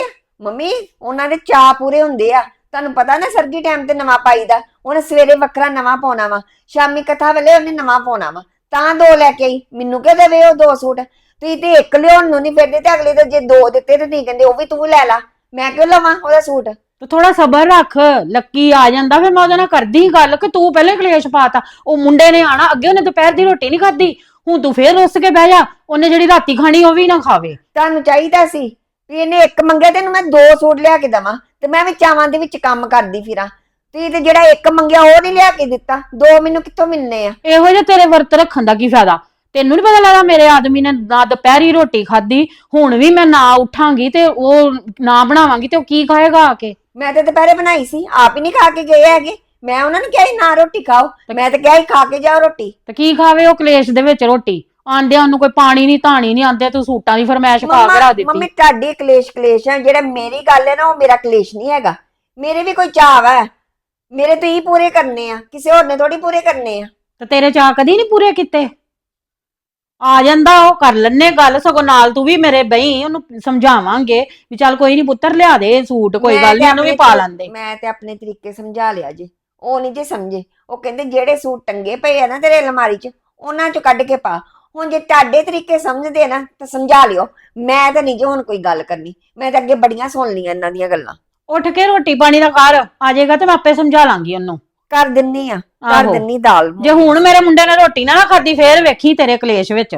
Speaker 5: ਮੰਮੀ ਉਹਨਾਂ ਦੇ ਚਾਅ ਪੂਰੇ ਹੁੰਦੇ ਆ। ਤੁਹਾਨੂੰ ਪਤਾ ਨਾ ਸਰਦੀ ਟਾਈਮ ਤੇ ਨਵਾਂ ਪਾਈਦਾ, ਉਹਨੇ ਸਵੇਰੇ ਵੱਖਰਾ ਨਵਾਂ ਪਾਉਣਾ ਵਾ, ਸ਼ਾਮੀ ਕਥਾ ਵੇਲੇ ਉਹਨੇ ਨਵਾਂ ਪਾਉਣਾ ਵਾ, ਤਾਂ 2 ਲੈ ਕੇ ਆਈ। ਮੈਨੂੰ ਕਿਹ ਦੇਵੇ ਉਹ 2 ਸੂਟ, ਤੁਸੀਂ ਤੇ ਇੱਕ ਲਿਆਉਣ ਨੂੰ ਨਹੀਂ ਫਿਰਦੇ ਤੇ ਅਗਲੇ ਤੇ ਜੇ 2 ਦਿੱਤੇ ਤੇ ਨਹੀਂ ਕਹਿੰਦੇ ਉਹ ਵੀ ਤੂੰ ਲੈ ਲਾ, ਮੈਂ ਕਿਉਂ ਲਵਾਂ ਉਹਦਾ ਸੂਟ।
Speaker 1: ਤੇ ਥੋੜਾ ਸਬਰ ਰੱਖ, ਲੱਕੀ ਆ ਜਾਂਦਾ ਫਿਰ ਮੈਂ ਉਹਦੇ ਨਾਲ ਕਰਦੀ ਗੱਲ ਕਿ ਤੂੰ ਪਹਿਲੇ ਕਲੇਸ਼ ਪਾਤਾ। ਉਹ ਮੁੰਡੇ ਨੇ ਆਣਾ, ਅੱਗੇ ਉਹਨੇ ਦੁਪਹਿਰ ਦੀ ਰੋਟੀ ਨਹੀਂ ਖਾਧੀ, ਹੁਣ ਤੂੰ ਫੇਰ ਰੁੱਸ ਕੇ ਬਹਿ ਜਾ, ਉਹਨੇ ਜਿਹੜੀ ਰਾਤੀ ਖਾਣੀ ਉਹ ਵੀ ਨਾ ਖਾਵੇ।
Speaker 5: ਤੁਹਾਨੂੰ ਚਾਹੀਦਾ ਸੀ ਵੀ ਇਹਨੇ ਇੱਕ ਮੰਗਿਆ ਤੇ ਇਹਨੂੰ ਮੈਂ 2 ਸੂਟ ਲਿਆ ਕੇ ਦੇਵਾਂ, ਤੇ ਮੈਂ ਵੀ ਚਾਵਾਂ ਦੇ ਵਿੱਚ ਕੰਮ ਕਰਦੀ ਫਿਰਾਂ। ਤੁਸੀਂ ਤੇ ਜਿਹੜਾ ਇੱਕ ਮੰਗਿਆ ਉਹ ਨਹੀਂ ਲਿਆ ਕੇ ਦਿੱਤਾ, 2 ਮੈਨੂੰ ਕਿੱਥੋਂ ਮਿਲਨੇ ਆ?
Speaker 1: ਇਹੋ ਜਿਹੇ ਤੇਰੇ ਵਰਤ ਰੱਖਣ ਦਾ ਕੀ ਫਾਇਦਾ? ਤੈਨੂੰ ਨੀ ਪਤਾ ਲੱਗਦਾ ਮੇਰੇ ਆਦਮੀ ਨੇ ਨਾ ਦੁਪਹਿਰੀ ਰੋਟੀ ਖਾਧੀ, ਹੁਣ ਵੀ ਮੈਂ ਨਾ ਉੱਠਾਂਗੀ ਤੇ ਉਹ ਨਾ ਬਣਾਵਾਂਗੀ ਤੇ ਉਹ ਕੀ ਖਾਏਗਾ ਆ ਕੇ?
Speaker 5: ਮੈਂ ਤੇ ਦੁਪਹਿਰੇ ਬਣਾਈ ਸੀ, ਆਪ ਹੀ ਨਹੀਂ ਖਾ ਕੇ ਗਏ ਹੈਗੇ। ਮੈਂ ਉਹਨਾਂ ਨੂੰ ਕਿਹਾ ਸੀ ਨਾ ਰੋਟੀ ਖਾਓ, ਮੈਂ ਤਾਂ ਕਿਹਾ ਸੀ ਖਾ ਕੇ ਜਾਓ ਰੋਟੀ।
Speaker 1: ਤੇ ਕੀ ਖਾਵੇ ਉਹ ਕਲੇਸ਼ ਦੇ ਵਿੱਚ ਰੋਟੀ? ਆਂਦਿਆਂ ਉਹਨੂੰ ਕੋਈ ਪਾਣੀ ਨਹੀਂ ਧਾਣੀ ਨਹੀਂ, ਆਂਦੇ ਤੂੰ ਸੂਟਾਂ ਦੀ ਫਰਮਾਇਸ਼ ਪਾ ਕੇ ਰੱਖ
Speaker 5: ਮੰਮੀ
Speaker 1: ਦਿੱਤੀ।
Speaker 5: ਤੁਹਾਡੀ ਕਲੇਸ਼ ਹੈ, ਜਿਹੜਾ ਮੇਰੀ ਗੱਲ ਹੈ ਨਾ ਉਹ ਮੇਰਾ ਕਲੇਸ਼ ਨਹੀਂ ਹੈਗਾ। ਮੇਰੇ ਵੀ ਕੋਈ ਚਾਅ ਹੈ, ਮੇਰੇ ਤੋਂ ਹੀ ਪੂਰੇ ਕਰਨੇ ਆ, ਕਿਸੇ ਹੋਰ ਨੇ ਥੋੜੀ ਪੂਰੇ ਕਰਨੇ ਆ।
Speaker 1: ਤੇ ਤੇਰੇ ਚਾਅ ਕਦੀ ਨਹੀਂ ਪੂਰੇ ਕੀਤੇ? ਆ ਜਾਂਦਾ ਉਹ, ਕਰ ਲੈਣੇ ਗੱਲ, ਸਗੋਂ ਨਾਲ ਤੂੰ ਵੀ ਮੇਰੇ ਬਈ, ਉਹਨੂੰ ਸਮਝਾਵਾਂਗੇ ਵੀ ਚੱਲ ਕੋਈ ਨਹੀਂ ਪੁੱਤਰ ਲਿਆ ਦੇ ਸੂਟ, ਕੋਈ ਗੱਲ ਨਹੀਂ ਉਹਨੂੰ ਵੀ ਪਾ ਲੈਂਦੇ।
Speaker 5: ਮੈਂ ਤੇ ਆਪਣੇ ਤਰੀਕੇ ਸਮਝਾ ਲਿਆ ਜੀ, ਉਹ ਨਹੀਂ ਜੀ ਸਮਝੇ। ਉਹ ਕਹਿੰਦੇ ਜਿਹੜੇ ਸੂਟ ਟੰਗੇ ਪਏ ਆ ਨਾ ਤੇਰੇ ਅਲਮਾਰੀ 'ਚ, ਉਹਨਾਂ 'ਚੋਂ ਕੱਢ ਕੇ ਪਾ। ਹੁਣ ਜੇ ਤੁਹਾਡੇ ਤਰੀਕੇ ਸਮਝਦੇ ਨਾ ਤਾਂ ਸਮਝਾ ਲਿਓ, ਮੈਂ ਤਾਂ ਨਹੀਂ ਜੀ ਹੁਣ ਕੋਈ ਗੱਲ ਕਰਨੀ। ਮੈਂ ਤਾਂ ਅੱਗੇ ਬੜੀਆਂ ਸੁਣ ਲਈਆਂ ਇਹਨਾਂ ਦੀਆਂ ਗੱਲਾਂ।
Speaker 1: ਉੱਠ ਕੇ ਰੋਟੀ ਪਾਣੀ ਦਾ ਕਰ, ਆ ਜਾਏਗਾ ਤੇ ਮੈਂ ਆਪੇ ਸਮਝਾ ਲਾਂਗੀ ਉਹਨੂੰ।
Speaker 5: ਕਰ ਦਿੰਨੀ ਆ, ਕਰ
Speaker 1: ਆਹੋ।
Speaker 5: ਦਿੰਨੀ ਦਾਲ।
Speaker 1: ਜੇ ਹੁਣ ਮੇਰੇ ਮੁੰਡੇ ਨੇ ਰੋਟੀ ਨਾ ਖਾਧੀ ਫੇਰ ਵੇਖੀ ਤੇਰੇ ਕਲੇਸ਼ ਵਿੱਚ।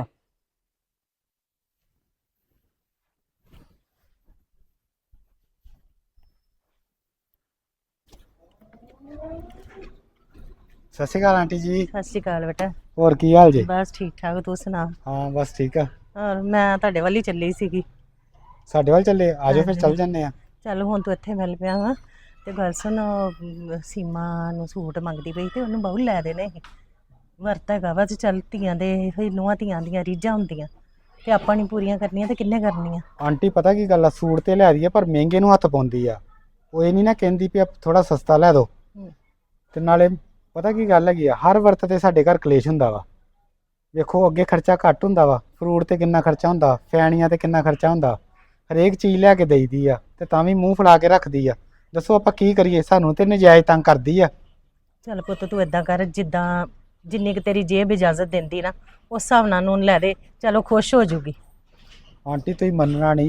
Speaker 2: ਸਤਿ ਸ਼੍ਰੀ ਅਕਾਲ ਆਂਟੀ ਜੀ।
Speaker 3: ਸਤਿ ਸ਼੍ਰੀ ਅਕਾਲ ਬੇਟਾ।
Speaker 2: ਹੋਰ ਕੀ ਹਾਲ ਜੀ?
Speaker 3: ਬਸ ਠੀਕ ਠਾਕ, ਤੂੰ ਸੁਣਾ?
Speaker 2: ਹਾਂ ਬਸ ਠੀਕ ਆ।
Speaker 3: ਔਰ ਮੈਂ ਤੁਹਾਡੇ ਵੱਲ ਹੀ ਚੱਲੀ ਸੀਗੀ।
Speaker 2: ਸਾਡੇ ਵੱਲ ਚੱਲੇ? ਆਜੋ ਫਿਰ ਚੱਲ ਜੰਨੇ ਆ।
Speaker 3: ਚੱਲ ਹੁਣ ਤੂੰ ਇੱਥੇ ਮਿਲ ਪਿਆ ਵਾ ਤੇ ਗੱਲ ਸੁਣ, ਸੀਮਾ ਨੂੰ ਸੂਟ ਮੰਗਦੀ ਪਈ ਤੇ ਉਹਨੂੰ ਬਹੁ ਲੈ ਦੇਣੇ ਸੀ। ਵਰਤ ਹੈਗਾ ਵਾ ਤੇ ਚੱਲ ਧੀਆਂ ਦੇ ਨੂੰਹਾਂ ਧੀਆਂ ਦੀਆਂ ਰੀਝਾਂ ਹੁੰਦੀਆਂ ਤੇ ਆਪਾਂ ਨਹੀਂ ਪੂਰੀਆਂ ਕਰਨੀਆਂ ਤੇ ਕਿੰਨੇ ਕਰਨੀਆਂ?
Speaker 2: ਆਂਟੀ ਪਤਾ ਕੀ ਗੱਲ ਆ, ਸੂਟ ਤੇ ਲੈ ਰਹੀ ਆ ਪਰ ਮਹਿੰਗੇ ਨੂੰ ਹੱਥ ਪਾਉਂਦੀ ਆ। ਉਹ ਇਹ ਨਹੀਂ ਨਾ ਕਹਿੰਦੀ ਵੀ ਥੋੜਾ ਸਸਤਾ ਲੈ ਦੋ। ਤੇ ਨਾਲੇ ਪਤਾ ਕੀ ਗੱਲ ਹੈਗੀ ਆ, ਹਰ ਵਰਤ ਤੇ ਸਾਡੇ ਘਰ ਕਲੇਸ਼ ਹੁੰਦਾ ਵਾ। ਵੇਖੋ ਅੱਗੇ ਖਰਚਾ ਘੱਟ ਹੁੰਦਾ ਵਾ, ਫਰੂਟ ਤੇ ਕਿੰਨਾ ਖਰਚਾ ਹੁੰਦਾ, ਫੈਣੀਆਂ ਤੇ ਕਿੰਨਾ ਖਰਚਾ ਹੁੰਦਾ, ਹਰੇਕ ਚੀਜ਼ ਲੈ ਕੇ ਦੇਈਦੀ ਆ ਤੇ ਤਾਂ ਵੀ ਮੂੰਹ ਫੁਲਾ ਕੇ ਰੱਖਦੀ ਆ। ਦੱਸੋ ਆਪਾਂ ਕੀ ਕਰੀਏ? ਸਾਨੂੰ ਤੇ ਨਜਾਇਜ਼ ਤੰਗ ਕਰਦੀ ਆ।
Speaker 3: ਚੱਲ ਪੁੱਤ ਤੂੰ ਏਦਾਂ ਕਰ, ਜਿੱਦਾਂ ਜਿੰਨੀ ਕੁ ਤੇਰੀ ਜੇਬ ਇਜਾਜ਼ਤ ਦਿੰਦੀ ਨਾ ਉਸ ਹਿਸਾਬ ਨਾਲ ਉਹਨੂੰ ਲੈ ਦੇ, ਚਲੋ ਖੁਸ਼ ਹੋ ਜੂਗੀ।
Speaker 2: ਆਂਟੀ ਤੁਸੀਂ ਮੰਨਣਾ ਨਹੀਂ।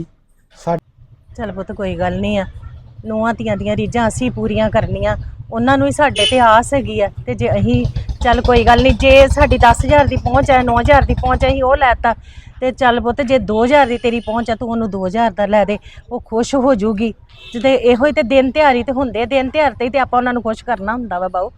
Speaker 3: ਚੱਲ ਪੁੱਤ ਕੋਈ ਗੱਲ ਨਹੀਂ ਆ, ਨੂੰਹਾਂ ਧੀਆਂ ਦੀਆਂ ਰੀਝਾਂ ਅਸੀਂ ਪੂਰੀਆਂ ਕਰਨੀਆਂ, ਉਹਨਾਂ ਨੂੰ ਹੀ ਸਾਡੇ ਤੇ ਆਸ ਹੈਗੀ ਆ। ਤੇ ਜੇ ਅਸੀਂ ਚੱਲ ਕੋਈ ਗੱਲ ਨਹੀਂ, ਜੇ ਸਾਡੀ 10,000 ਦੀ ਪਹੁੰਚ ਹੈ, 9,000 ਦੀ ਪਹੁੰਚ ਹੈ, ਅਸੀਂ ਉਹ ਲੈਤਾ ਤੇ ਚੱਲ ਪੁੱਤ ਜੇ 2,000 ਦੀ ਤੇਰੀ ਪਹੁੰਚ ਹੈ ਤੂੰ ਉਹਨੂੰ 2,000 ਦਾ ਲੈ ਦੇ, ਉਹ ਖੁਸ਼ ਹੋ ਜੂਗੀ। ਜਿਹਦੇ ਇਹੋ ਹੀ ਤੇ ਦਿਨ ਤਿਉਹਾਰ ਹੀ ਤੇ ਹੁੰਦੇ, ਦਿਨ ਤਿਉਹਾਰ ਤੇ ਹੀ ਤੇ ਆਪਾਂ ਉਹਨਾਂ ਨੂੰ ਖੁਸ਼ ਕਰਨਾ ਹੁੰਦਾ ਵਾ ਬਾਊ।